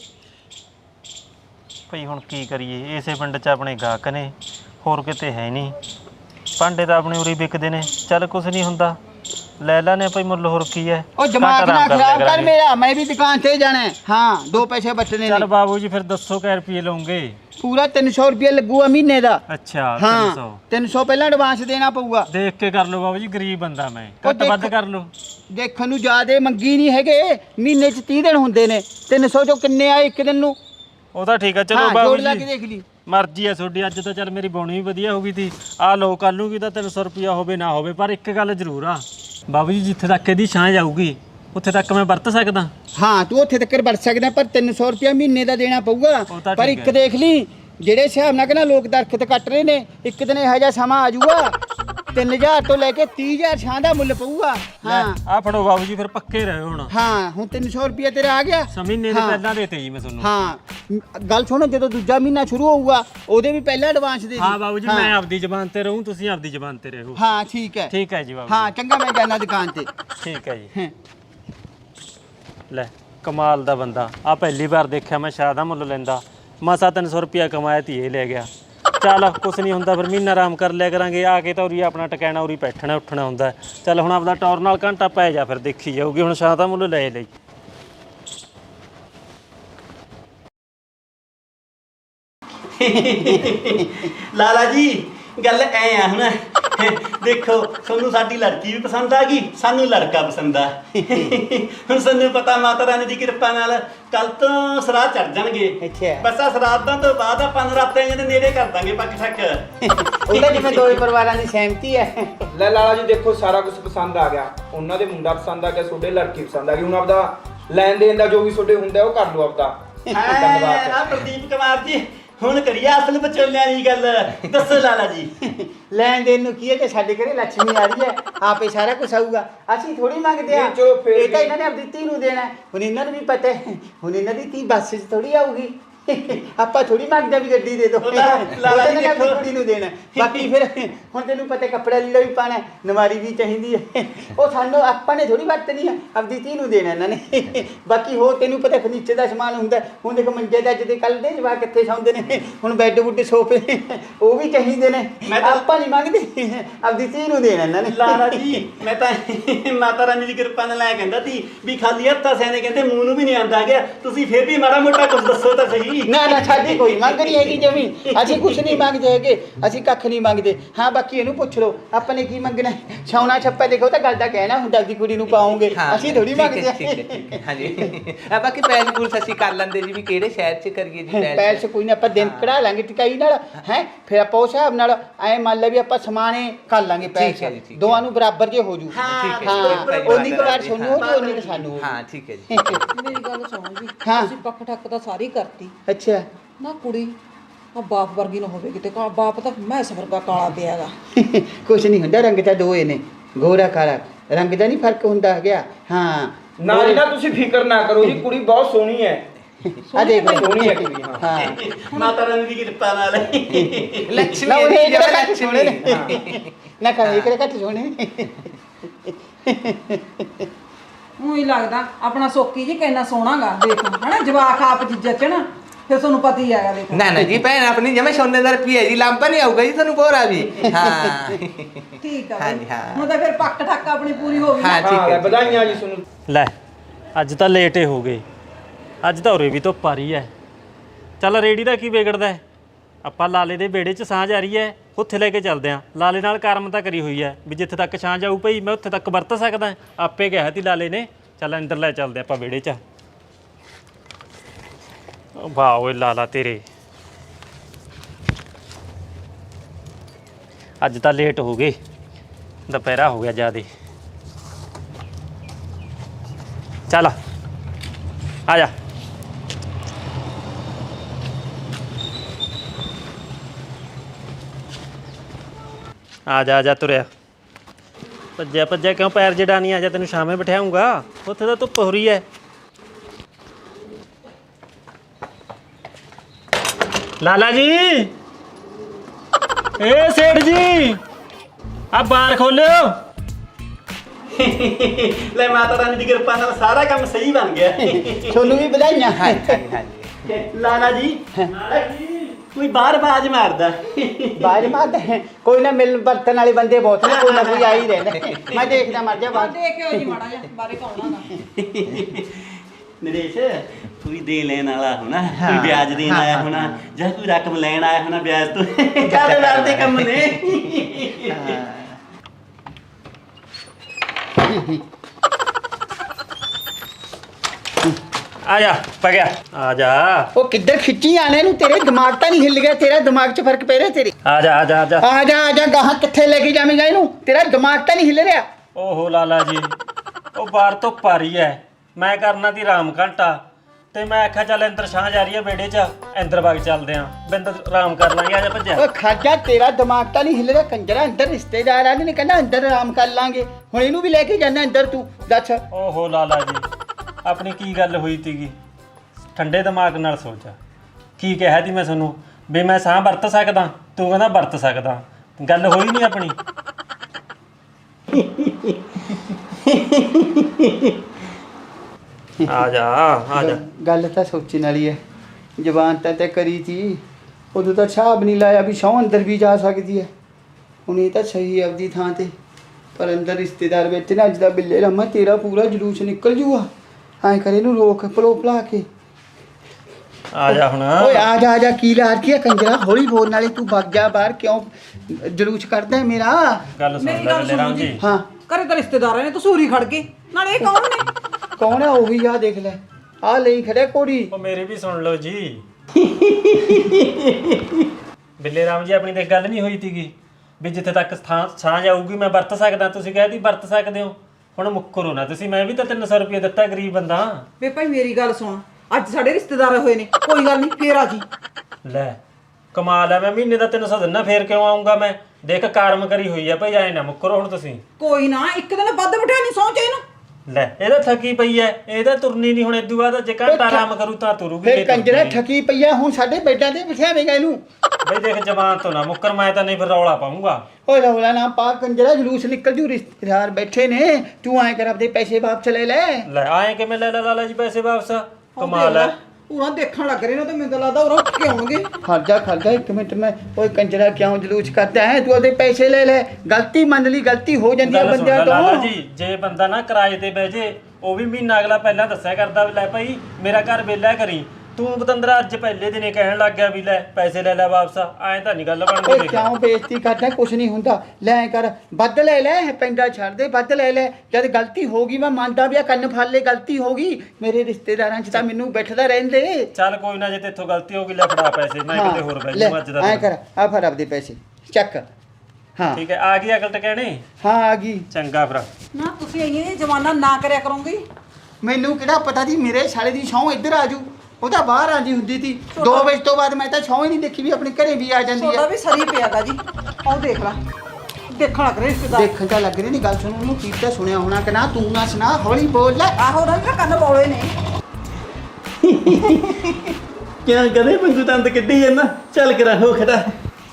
ਭਈ ਹੁਣ ਕੀ ਕਰੀਏ, ਇਸੇ ਪਿੰਡ 'ਚ ਆਪਣੇ ਗਾਹਕ ਨੇ, ਹੋਰ ਕਿਤੇ ਹੈ ਨਹੀਂ। ਭਾਂਡੇ ਤਾਂ ਆਪਣੇ ਉਰੇ ਵਿਕਦੇ ਨੇ, ਚੱਲ ਕੁਛ ਨਹੀਂ ਹੁੰਦਾ ਲੈ ਲੈਣੇ ਭਾਈ ਮੁੱਲ, ਹੋਰ ਕੀ ਹੈ।
ਉਹ ਦਿਮਾਗ ਨਾ ਖਰਾਬ ਕਰ ਮੇਰਾ, ਮੈਂ ਵੀ ਦੁਕਾਨ ਤੇ ਜਾਣਾ ਹਾਂ ਦੋ ਪੈਸੇ ਬਚਣੇ ਨੇ।
ਚੱਲ ਬਾਬੂ ਜੀ ਫਿਰ ਦੱਸੋ ਕਿੰਨੇ ਰੁਪਏ ਲਓਗੇ?
ਪੂਰਾ ਤਿੰਨ ਸੌ ਰੁਪਏ ਲੱਗੂਗਾ ਮਹੀਨੇ ਦਾ।
ਅੱਛਾ
ਤਿੰਨ ਸੌ ਤਿੰਨ ਸੌ ਪਹਿਲਾਂ ਐਡਵਾਂਸ ਦੇਣਾ ਪਊਗਾ।
ਦੇਖ ਕੇ ਕਰ ਲਓ ਬਾਬੂ ਜੀ, ਗਰੀਬ ਬੰਦਾ ਮੈਂ, ਘੱਟ ਵੱਧ ਕਰ ਲਓ।
ਦੇਖਣ ਨੂੰ ਜ਼ਿਆਦੇ ਮੰਗੀ ਨਹੀਂ ਹੈਗੇ, ਮਹੀਨੇ 'ਚ ਤੀਹ ਦਿਨ ਹੁੰਦੇ ਨੇ, ਤਿੰਨ ਸੌ ਚੋਂ ਕਿੰਨੇ ਆਏ ਇੱਕ ਦਿਨ ਨੂੰ?
ਉਹ ਤਾਂ ਠੀਕ ਆ ਚਲੋ ਬਾਬੂ ਜੀ
ਦੇਖ ਲਈ
ਮਰਜ਼ੀ ਆ ਤੁਹਾਡੀ। ਅੱਜ ਤਾਂ ਚੱਲ ਮੇਰੀ ਬੌਣੀ ਵੀ ਵਧੀਆ ਹੋ ਗਈ ਸੀ, ਆਹ ਲਓ ਕੱਲ ਨੂੰ ਵੀ ਤਾਂ ਤਿੰਨ ਸੌ ਰੁਪਇਆ ਹੋਵੇ ਨਾ ਹੋਵੇ, ਪਰ ਇੱਕ ਗੱਲ ਜ਼ਰੂਰ ਆ ਬਾਬੂ ਜੀ, ਜਿੱਥੇ ਤੱਕ ਇਹਦੀ ਛਾਂ ਜਾਊਗੀ ਉੱਥੇ ਤੱਕ ਮੈਂ ਵਰਤ ਸਕਦਾ।
ਹਾਂ ਤੂੰ ਉੱਥੇ ਤੱਕ ਵਰਤ ਸਕਦਾ, ਪਰ ਤਿੰਨ ਸੌ ਰੁਪਇਆ ਮਹੀਨੇ ਦਾ ਦੇਣਾ ਪਊਗਾ। ਪਰ ਇੱਕ ਦੇਖ ਲਈ ਜਿਹੜੇ ਹਿਸਾਬ ਨਾਲ ਕਹਿੰਦਾ ਲੋਕ ਦਰਖਤ ਕੱਟ ਰਹੇ ਨੇ, ਇੱਕ ਦਿਨ ਇਹੋ ਜਿਹਾ ਸਮਾਂ ਆ ਜਾਊਗਾ ਤਿੰਨ ਹਜ਼ਾਰ ਤੋਂ ਲੈ ਕੇ ਤੀਹ ਹਜ਼ਾਰ ਛਾਂ ਦਾ ਮੁੱਲ ਪਊਗਾ। ਹਾਂ
ਆ ਫੜੋ ਬਾਬੂ ਜੀ ਫਿਰ ਪੱਕੇ ਰਹੋ ਹੁਣ।
ਹਾਂ ਹੁਣ ਤਿੰਨ ਸੌ ਰੁਪਇਆ ਤੇਰਾ ਆ ਗਿਆ।
ਮਹੀਨੇ ਦੇ ਪਹਿਲਾਂ ਦੇਤੇ ਜੀ ਮੈਂ ਤੁਹਾਨੂੰ।
ਹਾਂ ਗੱਲ ਸੁਣੋ ਜਦੋਂ ਦੂਜਾ ਮਹੀਨਾ ਸ਼ੁਰੂ ਹੋਊਗਾ ਉਹਦੇ ਵੀ ਪਹਿਲਾਂ ਐਡਵਾਂਸ ਦੇ ਦੇ।
ਹਾਂ ਬਾਬੂ ਜੀ ਮੈਂ ਆਪਦੀ ਜ਼ਬਾਨ ਤੇ ਰਹੂੰ, ਤੁਸੀਂ ਆਪਦੀ ਜ਼ਬਾਨ ਤੇ ਰਹੋ।
ਹਾਂ ਠੀਕ ਹੈ
ਠੀਕ ਹੈ ਜੀ ਬਾਬੂ।
ਹਾਂ ਚੰਗਾ ਮੈਂ ਜਾਣਾ ਦੁਕਾਨ ਤੇ।
ਠੀਕ ਹੈ ਜੀ। ਲੈ ਕਮਾਲ ਦਾ ਬੰਦਾ, ਆ ਪਹਿਲੀ ਵਾਰ ਦੇਖਿਆ ਮੈਂ ਛਾਂ ਦਾ ਮੁੱਲ ਲੈਂਦਾ। ਮਸਾ ਤਿੰਨ ਸੌ ਰੁਪਇਆ ਕਮਾਇਆ ਤੀ ਇਹ ਲੈ ਗਿਆ। ਚੱਲ ਕੁਛ ਨਹੀਂ ਹੁੰਦਾ, ਫਿਰ ਮਹੀਨਾ ਆਰਾਮ ਕਰ ਲਿਆ ਕਰਾਂਗੇ, ਆ ਕੇ ਤਾਂ ਉਰੀ ਆਪਣਾ ਟਿਕਾਣਾ ਉਰੀ ਬੈਠਣਾ ਉੱਠਣਾ ਹੁੰਦਾ। ਚੱਲ ਹੁਣ ਆਪਦਾ ਟੌਰ ਨਾਲ ਘੰਟਾ ਪੈ ਜਾ, ਫਿਰ ਦੇਖੀ ਜਾਊਗੀ। ਹੁਣ ਛਾਂ ਦਾ ਮੁੱਲ ਲੈ ਲਈ।
ਲਾਲਾ ਜੀ ਗੱਲ ਐ ਆ ਹੁਣ ਦੇਖੋ ਤੁਹਾਨੂੰ ਸਾਡੀ ਲੜਕੀ ਵੀ ਪਸੰਦ ਆ ਗਈ, ਸਾਨੂੰ ਲੜਕਾ ਪਸੰਦ ਆ। ਹੁਣ ਸਾਨੂੰ ਪਤਾ ਮਾਤਾ ਰਾਣੀ ਦੀ ਕਿਰਪਾ ਨਾਲ ਕੱਲ ਤੋਂ ਸਰਾਧ ਚੜ ਜਾਣਗੇ। ਬਸ ਆ ਸਰਾਧਾਂ ਤੋਂ ਬਾਅਦ ਆਪਾਂ ਨਰਾਤਿਆਂ ਦੇ ਨੇੜੇ ਕਰ ਦਾਂਗੇ ਪੱਕ ਠੱਕ।
ਉਹਦਾ ਜਿਵੇਂ ਦੋਵੇਂ ਪਰਿਵਾਰਾਂ ਦੀ ਸਹਿਮਤੀ ਹੈ।
ਲੈ ਲਾਲਾ ਜੀ ਦੇਖੋ ਸਾਰਾ ਕੁਝ ਪਸੰਦ ਆ ਗਿਆ, ਉਹਨਾਂ ਦੇ ਮੁੰਡਾ ਪਸੰਦ ਆ ਗਿਆ, ਤੁਹਾਡੇ ਲੜਕੀ ਪਸੰਦ ਆ ਗਈ। ਹੁਣ ਆਪਦਾ ਲੈਣ ਦੇਣ ਦਾ ਜੋ ਵੀ ਤੁਹਾਡੇ ਹੁੰਦਾ ਉਹ ਕਰ ਲਓ ਆਪਦਾ।
ਧੰਨਵਾਦ। ਆ ਪ੍ਰਦੀਪ ਕੁਮਾਰ ਜੀ ਹੁਣ ਕਰੀਏ ਅਸਲ ਵਿਚੋਲਿਆਂ ਦੀ ਗੱਲ, ਦੱਸੋ ਲਾਲਾ ਜੀ।
ਲੈਣ ਦੇਣ ਨੂੰ ਕੀ ਹੈ ਕਿ ਸਾਡੇ ਘਰੇ ਲక్ష్ਮੀ ਆ ਰਹੀ ਹੈ, ਆਪੇ ਸਾਰਾ ਕੁਝ ਆਊਗਾ, ਅਸੀਂ ਥੋੜੀ ਮੰਗਦੇ ਆ।
ਨਹੀਂ, ਚਲੋ ਫਿਰ
ਇਹ ਤਾਂ
ਵੀ-
ਇਹਨਾਂ ਨੇ ਆਪਣੀ ਧੀ ਨੂੰ ਦੇਣਾ, ਹੁਣ ਇਹਨਾਂ ਨੂੰ ਵੀ ਪਤਾ ਹੈ, ਹੁਣ ਇਹਨਾਂ ਦੀ ਧੀ ਬੱਸ 'ਚ ਥੋੜੀ ਆਊਗੀ। ਆਪਾਂ ਥੋੜੀ ਮੰਗਦੇ ਵੀ ਗੱਡੀ ਦੇ ਦੋ,
ਲਾਲਾ ਜੀ ਦੇਖੋ
ਕੁੜੀ ਨੂੰ ਦੇਣਾ। ਬਾਕੀ ਫਿਰ ਹੁਣ ਤੈਨੂੰ ਪਤਾ ਕੱਪੜਾ ਲੀੜਾ ਵੀ ਪਾਣਾ, ਨਵਾਰੀ ਵੀ ਚਾਹੀਦੀ ਹੈ, ਉਹ ਸਾਨੂੰ ਆਪਾਂ ਨੇ ਥੋੜੀ ਵਰਤਣੀ ਆ, ਆਪਣੀ ਧੀ ਨੂੰ ਦੇਣਾ ਇਹਨਾਂ ਨੇ। ਬਾਕੀ ਹੋਰ ਤੈਨੂੰ ਪਤਾ ਫਰਨੀਚਰ ਦਾ ਸਮਾਨ ਹੁੰਦਾ, ਹੁਣ ਦੇਖ ਮੰਜੇ ਦਾ ਅੱਜ ਦੇ ਕੱਲ ਦੇ ਜਵਾਕ ਕਿੱਥੇ ਸੌਂਦੇ ਨੇ, ਹੁਣ ਬੈੱਡ ਬੁੱਡ ਸੋਫੇ ਉਹ ਵੀ ਚਾਹੀਦੇ ਨੇ। ਆਪਾਂ ਨਹੀਂ ਮੰਗਦੇ, ਆਪਣੀ ਧੀ ਨੂੰ ਦੇਣਾ ਇਹਨਾਂ ਨੇ।
ਲਾਲਾ ਜੀ ਮੈਂ ਤਾਂ ਮਾਤਾ ਰਾਣੀ ਦੀ ਕਿਰਪਾ ਨਾਲ ਐ ਕਹਿੰਦਾ ਸੀ ਵੀ ਖਾਲੀ ਹੱਥਾਂ ਸਿਆਣੇ ਕਹਿੰਦੇ ਮੂੰਹ ਨੂੰ ਵੀ ਨਹੀਂ ਆਂਦਾ ਗਿਆ, ਤੁਸੀਂ ਫੇਰ ਵੀ ਮਾੜਾ ਮੋਟਾ ਕੁਝ ਦੱਸੋ ਤਾਂ ਸਹੀ।
ਨਾ ਨਾ ਸਾਡੀ ਕੋਈ ਮੰਗ ਨਹੀਂ ਹੈਗੀ ਜਮੀ, ਅਸੀਂ ਕੁਛ ਨਹੀਂ ਮੰਗਦੇ ਹੈਗੇ, ਅਸੀਂ ਕੱਖ ਨਹੀਂ ਮੰਗਦੇ। ਹਾਂ ਬਾਕੀ ਇਹਨੂੰ ਪੁੱਛ ਲਓ ਆਪਾਂ ਨੇ ਕੀ ਮੰਗਣਾ, ਛਾਉਣਾ ਛੱਪਾ ਦੇਖੋ ਤਾਂ ਗੱਲ ਦਾ ਕਹਿਣਾ ਹੁੰਦਾ ਆਪਦੀ ਕੁੜੀ ਨੂੰ ਪਾਉਂਗੇ, ਅਸੀਂ ਥੋੜੀ ਮੰਗਦੇ ਆ।
ਹਾਂਜੀ ਆ ਬਾਕੀ ਪੈਲ ਪੂਲ ਅਸੀਂ ਕਰ ਲੈਂਦੇ ਜੀ ਵੀ ਕਿਹੜੇ ਸ਼ਹਿਰ 'ਚ ਕਰੀਏ ਜੀ ਪੈਲ
ਪੈਲਸ ਕੋਈ ਨਾ ਆਪਾਂ ਦਿਨ ਕਢਾ ਲਾਂਗੇ ਟਿਕਾਈ ਨਾਲ ਹੈ, ਫਿਰ ਆਪਾਂ ਉਸ ਹਿਸਾਬ ਨਾਲ ਐ ਮੰਨ ਲੈ ਵੀ ਆਪਾਂ ਸਮਾਣੇ ਕਰ ਲਾਂਗੇ ਪੈਲਸ, ਦੋਵਾਂ ਨੂੰ ਬਰਾਬਰ ਜੇ ਹੋ ਜੂ।
ਠੀਕ
ਹਾਂ
ਹੈ
ਉਨੀ ਕੁ ਵਾਰ ਸਾਨੂੰ ਹੋ ਜੂ ਉਨੀ ਕੁ ਸਾਨੂੰ ਹੋ ਜੂ।
ਹਾਂ ਠੀਕ ਹੈ ਜੀ।
ਮੇਰੀ ਗੱਲ ਸੁਣੋ ਜੀ,
ਹਾਂ।
ਤੁਸੀਂ ਪੱਕ ਠੱਕ ਤਾਂ ਸਾਰੀ ਕਰਤੀ
ਅੱਛਾ
ਨਾ, ਕੁੜੀ ਆ ਬਾਪ ਵਰਗੀ ਨਾ ਹੋਵੇ ਕਿਤੇ, ਬਾਪ ਤਾਂ ਮੈਂ ਵਰਗਾ ਕਾਲਾ ਪਿਆਗਾ।
ਕੁਛ ਨਹੀਂ ਹੁੰਦਾ, ਰੰਗ ਤਾਂ ਦੋਏ ਨੇ, ਗੋਰਾ ਕਾਲਾ ਰੰਗ ਦਾ ਨਹੀਂ ਫਰਕ ਹੁੰਦਾ ਗਿਆ ਹਾਂ
ਨਾ ਜੀ ਨਾ ਤੁਸੀਂ ਫਿਕਰ ਨਾ ਕਰੋ ਜੀ ਕੁੜੀ ਬਹੁਤ ਸੋਹਣੀ ਹੈ
ਆ ਦੇਖ ਲੈ
ਸੋਹਣੀ ਹੈ ਕੁੜੀ ਹਾਂ
ਹਾਂ
ਮਾਤਾ ਰਾਣੀ ਦੀ ਕਿਰਪਾ ਨਾਲ
ਲక్ష్ਮੀ
ਨਾ ਉਹ
ਦੀ
ਇਹ
ਜਗ੍ਹਾ
ਕਿਹੜਾ ਘੱਟ ਸੋਹਣੇ
ਲక్ష్ਮੀ
ਨੇ ਨਾ ਕਹ ਇਹ ਕਿਹੜਾ ਘੱਟ ਸੋਹਣੇ ਨੇ
ਊਂ ਹੀ ਲੱਗਦਾ ਆਪਣਾ ਸੋਕੀ ਜੀ ਕਿੰਨਾ ਸੋਹਣਾਗਾ ਦੇਖ ਹਨਾ ਜਵਾਕ ਆਪ ਜੀ ਜੱਚਣ ਫਿਰ ਤੁਹਾਨੂੰ ਪਤਾ ਹੀ ਆਗਾ ਦੇਖ
ਨਾ ਨਾ ਜੀ ਭੈਣ ਆਪਣੀ ਜਮੇ ਸੋਨੇ ਦਾ ਰੁਪਈਆ ਜੀ ਲਾਂਪਾ ਨਹੀਂ ਆਊਗਾ ਜੀ ਤੁਹਾਨੂੰ ਭੋਰਾ ਵੀ ਹਾਂ
ਠੀਕ ਆ
ਹਾਂਜੀ,
ਬਈ।
ਹਾਂ।
ਹੁਣ ਤਾਂ ਫਿਰ ਪੱਕ ਠੱਕ ਆਪਣੀ ਪੂਰੀ ਹੋ ਗਈ
ਹਾਂ
ਨਾ।
ਠੀਕ
ਹਾਂ
ਹੈ
ਲੈ
ਜੀ।
ਵਧਾਈਆਂ ਜੀ ਤੁਹਾਨੂੰ
ਲੈ ਅੱਜ ਤਾਂ ਲੇਟ ਹੀ ਹੋ ਗਏ ਅੱਜ ਤਾਂ ਉਰੇ ਵੀ ਧੁੱਪ ਆ ਰਹੀ ਹੈ ਚੱਲ ਰੇੜੀ ਦਾ ਕੀ ਵਿਗੜਦਾ ਹੈ ਆਪਾਂ ਲਾਲੇ ਦੇ ਵਿਹੜੇ 'ਚ ਸਾਂਝ ਆ ਰਹੀ ਹੈ ਉੱਥੇ ਲੈ ਕੇ ਚੱਲਦੇ ਆਂ ਲਾਲੇ ਨਾਲ ਕਰਮ ਤਾਂ ਕਰੀ ਹੋਈ ਹੈ ਵੀ ਜਿੱਥੇ ਤੱਕ ਸਾਂਝ ਆਊ ਭਈ ਮੈਂ ਉੱਥੇ ਤੱਕ ਵਰਤ ਸਕਦਾ ਆਪੇ ਕਿਹਾ ਤੀ ਲਾਲੇ ਨੇ ਚੱਲ ਅੰਦਰ ਲੈ ਚੱਲਦੇ ਆਪਾਂ ਵਿਹੜੇ 'ਚ ਓ ਵਾਹ ਓਏ ਲਾਲਾ ਤੇਰੇ ਅੱਜ ਤਾਂ ਲੇਟ ਹੋ ਗਏ ਦੁਪਹਿਰਾ ਹੋ ਗਿਆ ਜ਼ਿਆਦੇ ਚੱਲ ਆ ਜਾ ਆ ਜਾ ਆ ਜਾ ਤੁਰਿਆ ਭੱਜਿਆ ਭੱਜਿਆ ਕਿਉਂ ਪੈਰ ਜਿਹੜਾ ਨਹੀਂ ਆ ਜਾ ਤੈਨੂੰ ਸ਼ਾਮੇ ਬਿਠਾਉਂਗਾ ਉੱਥੇ ਤਾਂ ਧੁੱਪ ਹੋ ਰਹੀ ਹੈ ਲਾਲਾ ਜੀ ਏ ਸੇਠ ਜੀ ਆ ਬਾਰ ਖੋਲਿਓ
ਲੈ ਮਾਤਾ ਰਾਣੀ ਦੀ ਕਿਰਪਾ ਨਾਲ ਸਾਰਾ ਕੰਮ ਸਹੀ ਬਣ ਗਿਆ
ਤੁਹਾਨੂੰ ਵੀ ਵਧਾਈਆਂ
ਹਾਂਜੀ ਹਾਂਜੀ ਹਾਂਜੀ
ਲਾਲਾ ਜੀ ਲਾਲਾ ਜੀ ਕੋਈ ਬਾਹਰ ਬਾਜ ਮਾਰਦਾ
ਬਾਜ ਮਾਰਦਾ ਹੈ। ਕੋਈ ਨਾ ਮਿਲ ਵਰਤਨ ਵਾਲੇ ਬੰਦੇ ਬਹੁਤ ਨੇ ਕੋਈ ਨਾ ਕੋਈ ਆ ਹੀ ਰਹਿੰਦਾ ਮੈਂ ਦੇਖਦਾ ਮਰ ਜਾ
ਆ
ਬਾਅਦ
ਦੇਖਿਓ ਜੀ ਮਾੜਾ ਜਿਹਾ ਬਾਰੇ ਕੌਣਾ ਨਾ
ਨਰੇਸ਼ ਕੋਈ ਦੇ ਲੈਣ ਵਾਲਾ ਹੋਣਾ ਕੋਈ ਵਿਆਜ ਦੇਣ ਆਇਆ ਹੋਣਾ ਜਾਂ ਕੋਈ ਰਕਮ ਲੈਣ ਆਇਆ ਹੋਣਾ ਵਿਆਜ ਤੋਂ ਕਾਰੋਬਾਰ ਦੇ ਕੰਮ ਨੇ
ਆ ਜਾ ਪੈ ਗਿਆ ਆ ਜਾ
ਉਹ ਕਿੱਧਰ ਖਿੱਚੀ ਆਣੇ ਨੂੰ ਤੇਰੇ ਦਿਮਾਗ ਤਾਂ ਨਹੀਂ ਹਿੱਲ ਗਿਆ ਤੇਰਾ ਦਿਮਾਗ 'ਚ ਫਰਕ ਪੈ ਰਿਹਾ ਤੇਰੇ
ਆ ਜਾ ਆ ਜਾ ਆ ਜਾ
ਆ ਜਾ ਆ ਜਾ ਗਾਹਾਂ ਕਿੱਥੇ ਲੈ ਕੇ ਜਾਵੇਂਗਾ ਇਹਨੂੰ ਤੇਰਾ ਦਿਮਾਗ ਤਾਂ ਨਹੀਂ ਹਿੱਲ ਰਿਹਾ
ਓਹੋ ਲਾਲਾ ਜੀ ਉਹ ਬਾਹਰ ਤੋਂ ਪਾਰੀ ਐ ਮੈਂ ਕਰਨਾ ਤੀ ਆਰਾਮ ਘੰਟਾ ਤੇ ਮੈਂ ਆਖਿਆ ਚੱਲ ਅੰਦਰ ਛਾਂ ਜਾ ਰਹੀ ਐ ਵਿਹੜੇ 'ਚ ਅੰਦਰ ਵਗ ਚੱਲਦੇ ਆਂ ਬਿੰਦਰ ਆਰਾਮ ਕਰ ਲਾਂਗੇ ਆ ਜਾ ਭੱਜਿਆ
ਓ ਖਾਜਾ ਤੇਰਾ ਦਿਮਾਗ ਤਾਂ ਨਹੀਂ ਹਿੱਲ ਰਿਹਾ ਕੰਜਰਾ ਅੰਦਰ ਰਿਸ਼ਤੇਦਾਰ ਆ ਨੇ ਕਹਿੰਦਾ ਅੰਦਰ ਆਰਾਮ ਕਰ ਲਾਂਗੇ ਹੁਣ ਇਹਨੂੰ ਵੀ ਲੈ ਕੇ ਜਾਣਾ ਅੰਦਰ ਤੂੰ ਦੱਸ
ਓਹੋ ਲਾਲਾ ਜੀ ਆਪਣੀ ਕੀ ਗੱਲ ਹੋਈ ਤੀਗੀ ਠੰਡੇ ਦਿਮਾਗ ਨਾਲ ਸੋਚ ਕੀ ਕਿਹਾ ਤੀ ਮੈਂ ਤੁਹਾਨੂੰ ਵੀ ਮੈਂ ਸਾਹ ਵਰਤ ਸਕਦਾ ਤੂੰ ਕਹਿੰਦਾ ਵਰਤ ਸਕਦਾ ਗੱਲ ਹੋਈ ਨਹੀਂ ਆਪਣੀ ਆ ਜਾ ਆ ਜਾ
ਗੱਲ ਤਾਂ ਸੋਚਣ ਵਾਲੀ ਹੈ ਜ਼ਬਾਨ ਤਾਂ ਤੇ ਕਰੀ ਤੀ ਉਦੋਂ ਤਾਂ ਛਾਬ ਨਹੀਂ ਲਾਇਆ ਵੀ ਸਹੁੰ ਅੰਦਰ ਵੀ ਜਾ ਸਕਦੀ ਹੈ ਹੁਣ ਇਹ ਤਾਂ ਸਹੀ ਹੈ ਆਪਦੀ ਥਾਂ ਤੇ ਪਰ ਅੰਦਰ ਰਿਸ਼ਤੇਦਾਰ ਵਿੱਚ ਨਾ ਅੱਜ ਦਾ ਬਿੱਲੇ ਰਾਮਾ ਤੇਰਾ ਪੂਰਾ ਜਲੂਸ ਨਿਕਲ ਜੂਗਾ ਐਂ ਕਰੇ ਇਹਨੂੰ ਰੋਕ ਪਲੋ ਭਲਾ ਕੇ
ਆ ਜਾ ਹੁਣ
ਓਏ ਆ ਜਾ ਆ ਜਾ ਕੀ ਲਾ ਰੱਖੀ ਹੈ ਕੰਜਰਾ ਹੌਲੀ ਬੋਲ ਨਾਲੇ ਤੂੰ ਵਗ ਜਾ ਬਾਹਰ ਕਿਉਂ ਜਲੂਸ ਕਰਦਾ ਹੈ ਮੇਰਾ
ਗੱਲ ਸੁਣ
ਮੇਰੀ
ਲੈ
ਗੱਲ
ਬੱਲੇ ਰਾਮ
ਸੁਣੋ
ਜੀ
ਜੀ।
ਹਾਂ
ਘਰੇ ਤਾਂ ਰਿਸ਼ਤੇਦਾਰਾਂ ਨੇ ਤਸੂਰੀ ਖੜ ਗਏ ਨਾਲੇ ਇਹ ਕੌਣ ਨੇ
ਕੌਣ ਹੈ ਉਹੀ ਆ ਦੇਖ ਲੈ ਆ ਲਈ ਖੜਿਆ ਕੋੜੀ
ਉਹ ਮੇਰੀ ਵੀ ਸੁਣ ਲਓ ਜੀ ਬਿੱਲੇ ਰਾਮ ਜੀ ਆਪਣੀ ਤੇ ਗੱਲ ਨਹੀਂ ਹੋਈ ਤੀਗੀ ਵੀ ਜਿੱਥੇ ਤੱਕ ਥਾਂ ਛਾਂ ਜਾਊਗੀ ਮੈਂ ਵਰਤ ਸਕਦਾ ਤੁਸੀਂ ਕਹਿ ਦੀ ਵਰਤ ਸਕਦੇ ਹੋ ਹੁਣ ਮੁੱਕਰੋ ਨਾ ਤੁਸੀਂ ਮੈਂ ਵੀ ਤਾਂ ਤਿੰਨ ਸੌ ਰੁਪਏ ਦਿੱਤਾ ਗਰੀਬ ਬੰਦਾ
ਵੇ ਭਾਈ ਮੇਰੀ ਗੱਲ ਸੁਣ ਅੱਜ ਸਾਡੇ ਰਿਸ਼ਤੇਦਾਰ ਹੋਏ ਨੇ ਕੋਈ ਗੱਲ ਨਹੀਂ ਫੇਰ ਆ ਜੀ
ਲੈ ਕਮਾਲ ਹੈ ਮੈਂ ਮਹੀਨੇ ਦਾ ਤਿੰਨ ਸੌ ਦਿੰਨਾ ਫੇਰ ਕਿਉਂ ਆਉਂਗਾ ਮੈਂ ਦੇਖ ਕਾਰਮ ਕਰੀ ਹੋਈ ਆ ਭਾਈ ਐ ਨਾ ਮੁੱਕਰੋ ਹੁਣ ਤੁਸੀਂ
ਕੋਈ ਨਾ ਇੱਕ ਦਿਨ ਵੱਧ ਬਿਠਾ ਨਹੀਂ ਸੌਂ ਚ ਇਹਨੂੰ
ਲੈ ਇਹਦਾ ਥੱਕੀ ਪਈ ਐ ਇਹਦਾ ਤੁਰਨੀ ਨਹੀਂ ਹੁਣ ਇਦੋਂ ਬਾਅਦ ਜੇ ਘੰਟਾ ਆਰਾਮ ਕਰੂ ਤਾਂ ਤੁਰੂਗੀ
ਫੇਰ
ਨਹੀਂ
ਕੰਜਰਾ
ਤੁਰੂਗੀ।
ਠੱਕੀ ਪਈਆ ਹੁਣ ਸਾਡੇ ਬੈਡਾਂ ਤੇ ਬਿਠਾਵੇਂਗਾ ਇਹਨੂੰ
ਬਈ ਦੇਖ ਜਵਾਨ ਤੋਂ ਨਾ ਮੁੱਕਰ ਮੈਂ ਤਾਂ ਨਹੀਂ ਫਿਰ ਰੌਲਾ ਪਾਉਂਗਾ
ਓਏ ਰੌਲਾ ਨਾ ਪਾ ਕੰਜਰਾ ਜਲੂਸ ਨਿਕਲ ਜੂ ਰਿਸ਼ਤੇਦਾਰ ਬੈਠੇ ਨੇ ਤੂੰ ਐਂ ਕਰ ਆਪਦੇ ਪੈਸੇ ਵਾਪਸ ਲੈ ਲੈ
ਲੈ ਆਏ ਕਿਵੇਂ ਲੈ ਲੈ ਲਾਲਾ ਜੀ ਪੈਸੇ ਵਾਪਸ ਕਮਾਲ ਹੈ
ਉਹਨਾਂ ਦੇਖਣ ਲੱਗ ਰਹੇ ਨੇ ਤੇ ਮੈਨੂੰ ਤਾਂ ਲੱਗਦਾ ਉਹ ਉੱਠ ਕੇ ਆਉਣਗੇ
ਖਰਜਾ ਖਰਜਾ ਇੱਕ ਮਿੰਟ ਮੈਂ ਓਏ ਕੰਜਰਾ ਕਿਉਂ ਜਲੂਸ ਕਰਦਾ ਹੈ ਤੂੰ ਆਪਦੇ ਪੈਸੇ ਲੈ ਲੈ ਗਲਤੀ ਮੰਨ ਲਈ ਗਲਤੀ ਹੋ ਜਾਂਦੀ ਹੈ
ਗੱਲ ਸੁਣ
ਬੰਦਿਆਂ
ਲੈ ਲਾਲਾ
ਤੋਂ
ਜੀ ਜੇ ਬੰਦਾ ਨਾ ਕਿਰਾਏ ਤੇ ਬਹਿ ਜੇ ਉਹ ਵੀ ਮਹੀਨਾ ਅਗਲਾ ਪਹਿਲਾਂ ਦੱਸਿਆ ਕਰਦਾ ਵੀ ਲੈ ਭਾਈ ਮੇਰਾ ਘਰ ਵਿਹਲਾ ਕਰੀ ਤੂੰ ਬਤੰਦਰਾ ਅੱਜ ਪਹਿਲੇ ਦਿਨੇ ਕਹਿਣ ਲੱਗ ਗਿਆ ਵੀ ਲੈ ਪੈਸੇ ਲੈ ਲੈ ਵਾਪਸ ਐਂ ਤਾਂ ਨਹੀਂ ਗੱਲ ਬਣਦੀ
ਓਏ
ਦੇਖ
ਕਿਉਂ ਬੇਇੱਜ਼ਤੀ ਕਰਦਾ ਕੁਛ ਨਹੀਂ ਹੁੰਦਾ ਲੈ ਐਂ ਕਰ ਵੱਧ ਲੈ ਲੈ ਪੈਂਦਾ ਛੱਡ ਦੇ ਵੱਧ ਲੈ ਲੈ ਜਦ ਗਲਤੀ ਹੋ ਗਈ ਮੈਂ ਮੰਨਦਾ ਵੀ ਆ ਕੰਨ ਫੜ ਲੈ ਗਲਤੀ ਹੋ ਗਈ ਮੇਰੇ ਰਿਸ਼ਤੇਦਾਰਾਂ 'ਚ ਤਾਂ ਮੈਨੂੰ ਬੈਠਦਾ ਰਹਿੰਦੇ
ਚੱਲ ਕੋਈ ਨਾ ਜੇ ਤੇਥੋਂ ਗਲਤੀ ਹੋ ਗਈ ਲੈ ਫੜਾ ਪੈਸੇ ਮੈਂ ਕਿਤੇ ਹੋਰ ਬਹਿ
ਲੈ
ਜਾਊਂ ਅੱਜ ਦਾ
ਐਂ
ਦਿਨ।
ਕਰ ਆ ਫੜ ਆਪਦੇ ਪੈਸੇ ਚੱਕ ਹਾਂ
ਠੀਕ ਹੈ ਆ ਗਈ ਅਕਲ ਟਿਕਾਣੇ
ਹਾਂ ਆ ਗਈ
ਚੰਗਾ ਫਿਰ
ਨਾ ਤੁਸੀਂ ਇਹ ਜਮਾਨਾ ਨਾ ਕਰਿਆ ਕਰੋਗੇ
ਮੈਨੂੰ ਕਿਹੜਾ ਪਤਾ ਸੀ ਮੇਰੇ ਸਾਲੇ ਦੀ ਛਾਂ ਇੱਧਰ ਆਜੂ ਉਹ ਤਾਂ ਬਾਹਰ ਆਂਦੀ ਹੁੰਦੀ ਸੀ ਦੋ ਵਜੇ ਤੋਂ ਬਾਅਦ ਮੈਂ ਤਾਂ ਛਾਂ ਹੀ ਨਹੀਂ ਦੇਖੀ ਵੀ ਆਪਣੇ ਘਰੇ ਵੀ ਆ ਜਾਂਦੀ
ਤੁਹਾਡਾ
ਹੈ
ਵੀ ਸਰੀ ਪਿਆਗਾ ਜੀ ਆਹ ਦੇਖ ਲਾ ਦੇਖਣ ਲੱਗ ਰਹੇ ਰਿਸ਼ਤੇਦਾਰ
ਦੇਖਣ ਤਾਂ ਲੱਗ ਰਹੀ ਨਹੀਂ ਗੱਲ ਸੁਣ ਉਹਨੂੰ ਕੀਤਾ ਸੁਣਿਆ ਹੋਣਾ ਕਿ ਨਾ ਤੂੰ ਨਾ ਸੁਣਾ ਹੌਲੀ ਬੋਲ ਲੈ
ਆਹੋ ਰੰਗ ਕੰਨ ਬੋਲੇ ਨੇ
ਕਿਆ ਕਦੇ ਬੰਦੂ ਤੰਦ ਕੱਢੀ ਜਾਂਦਾ ਚੱਲ ਕੇ ਰਹੋ ਖੜਾ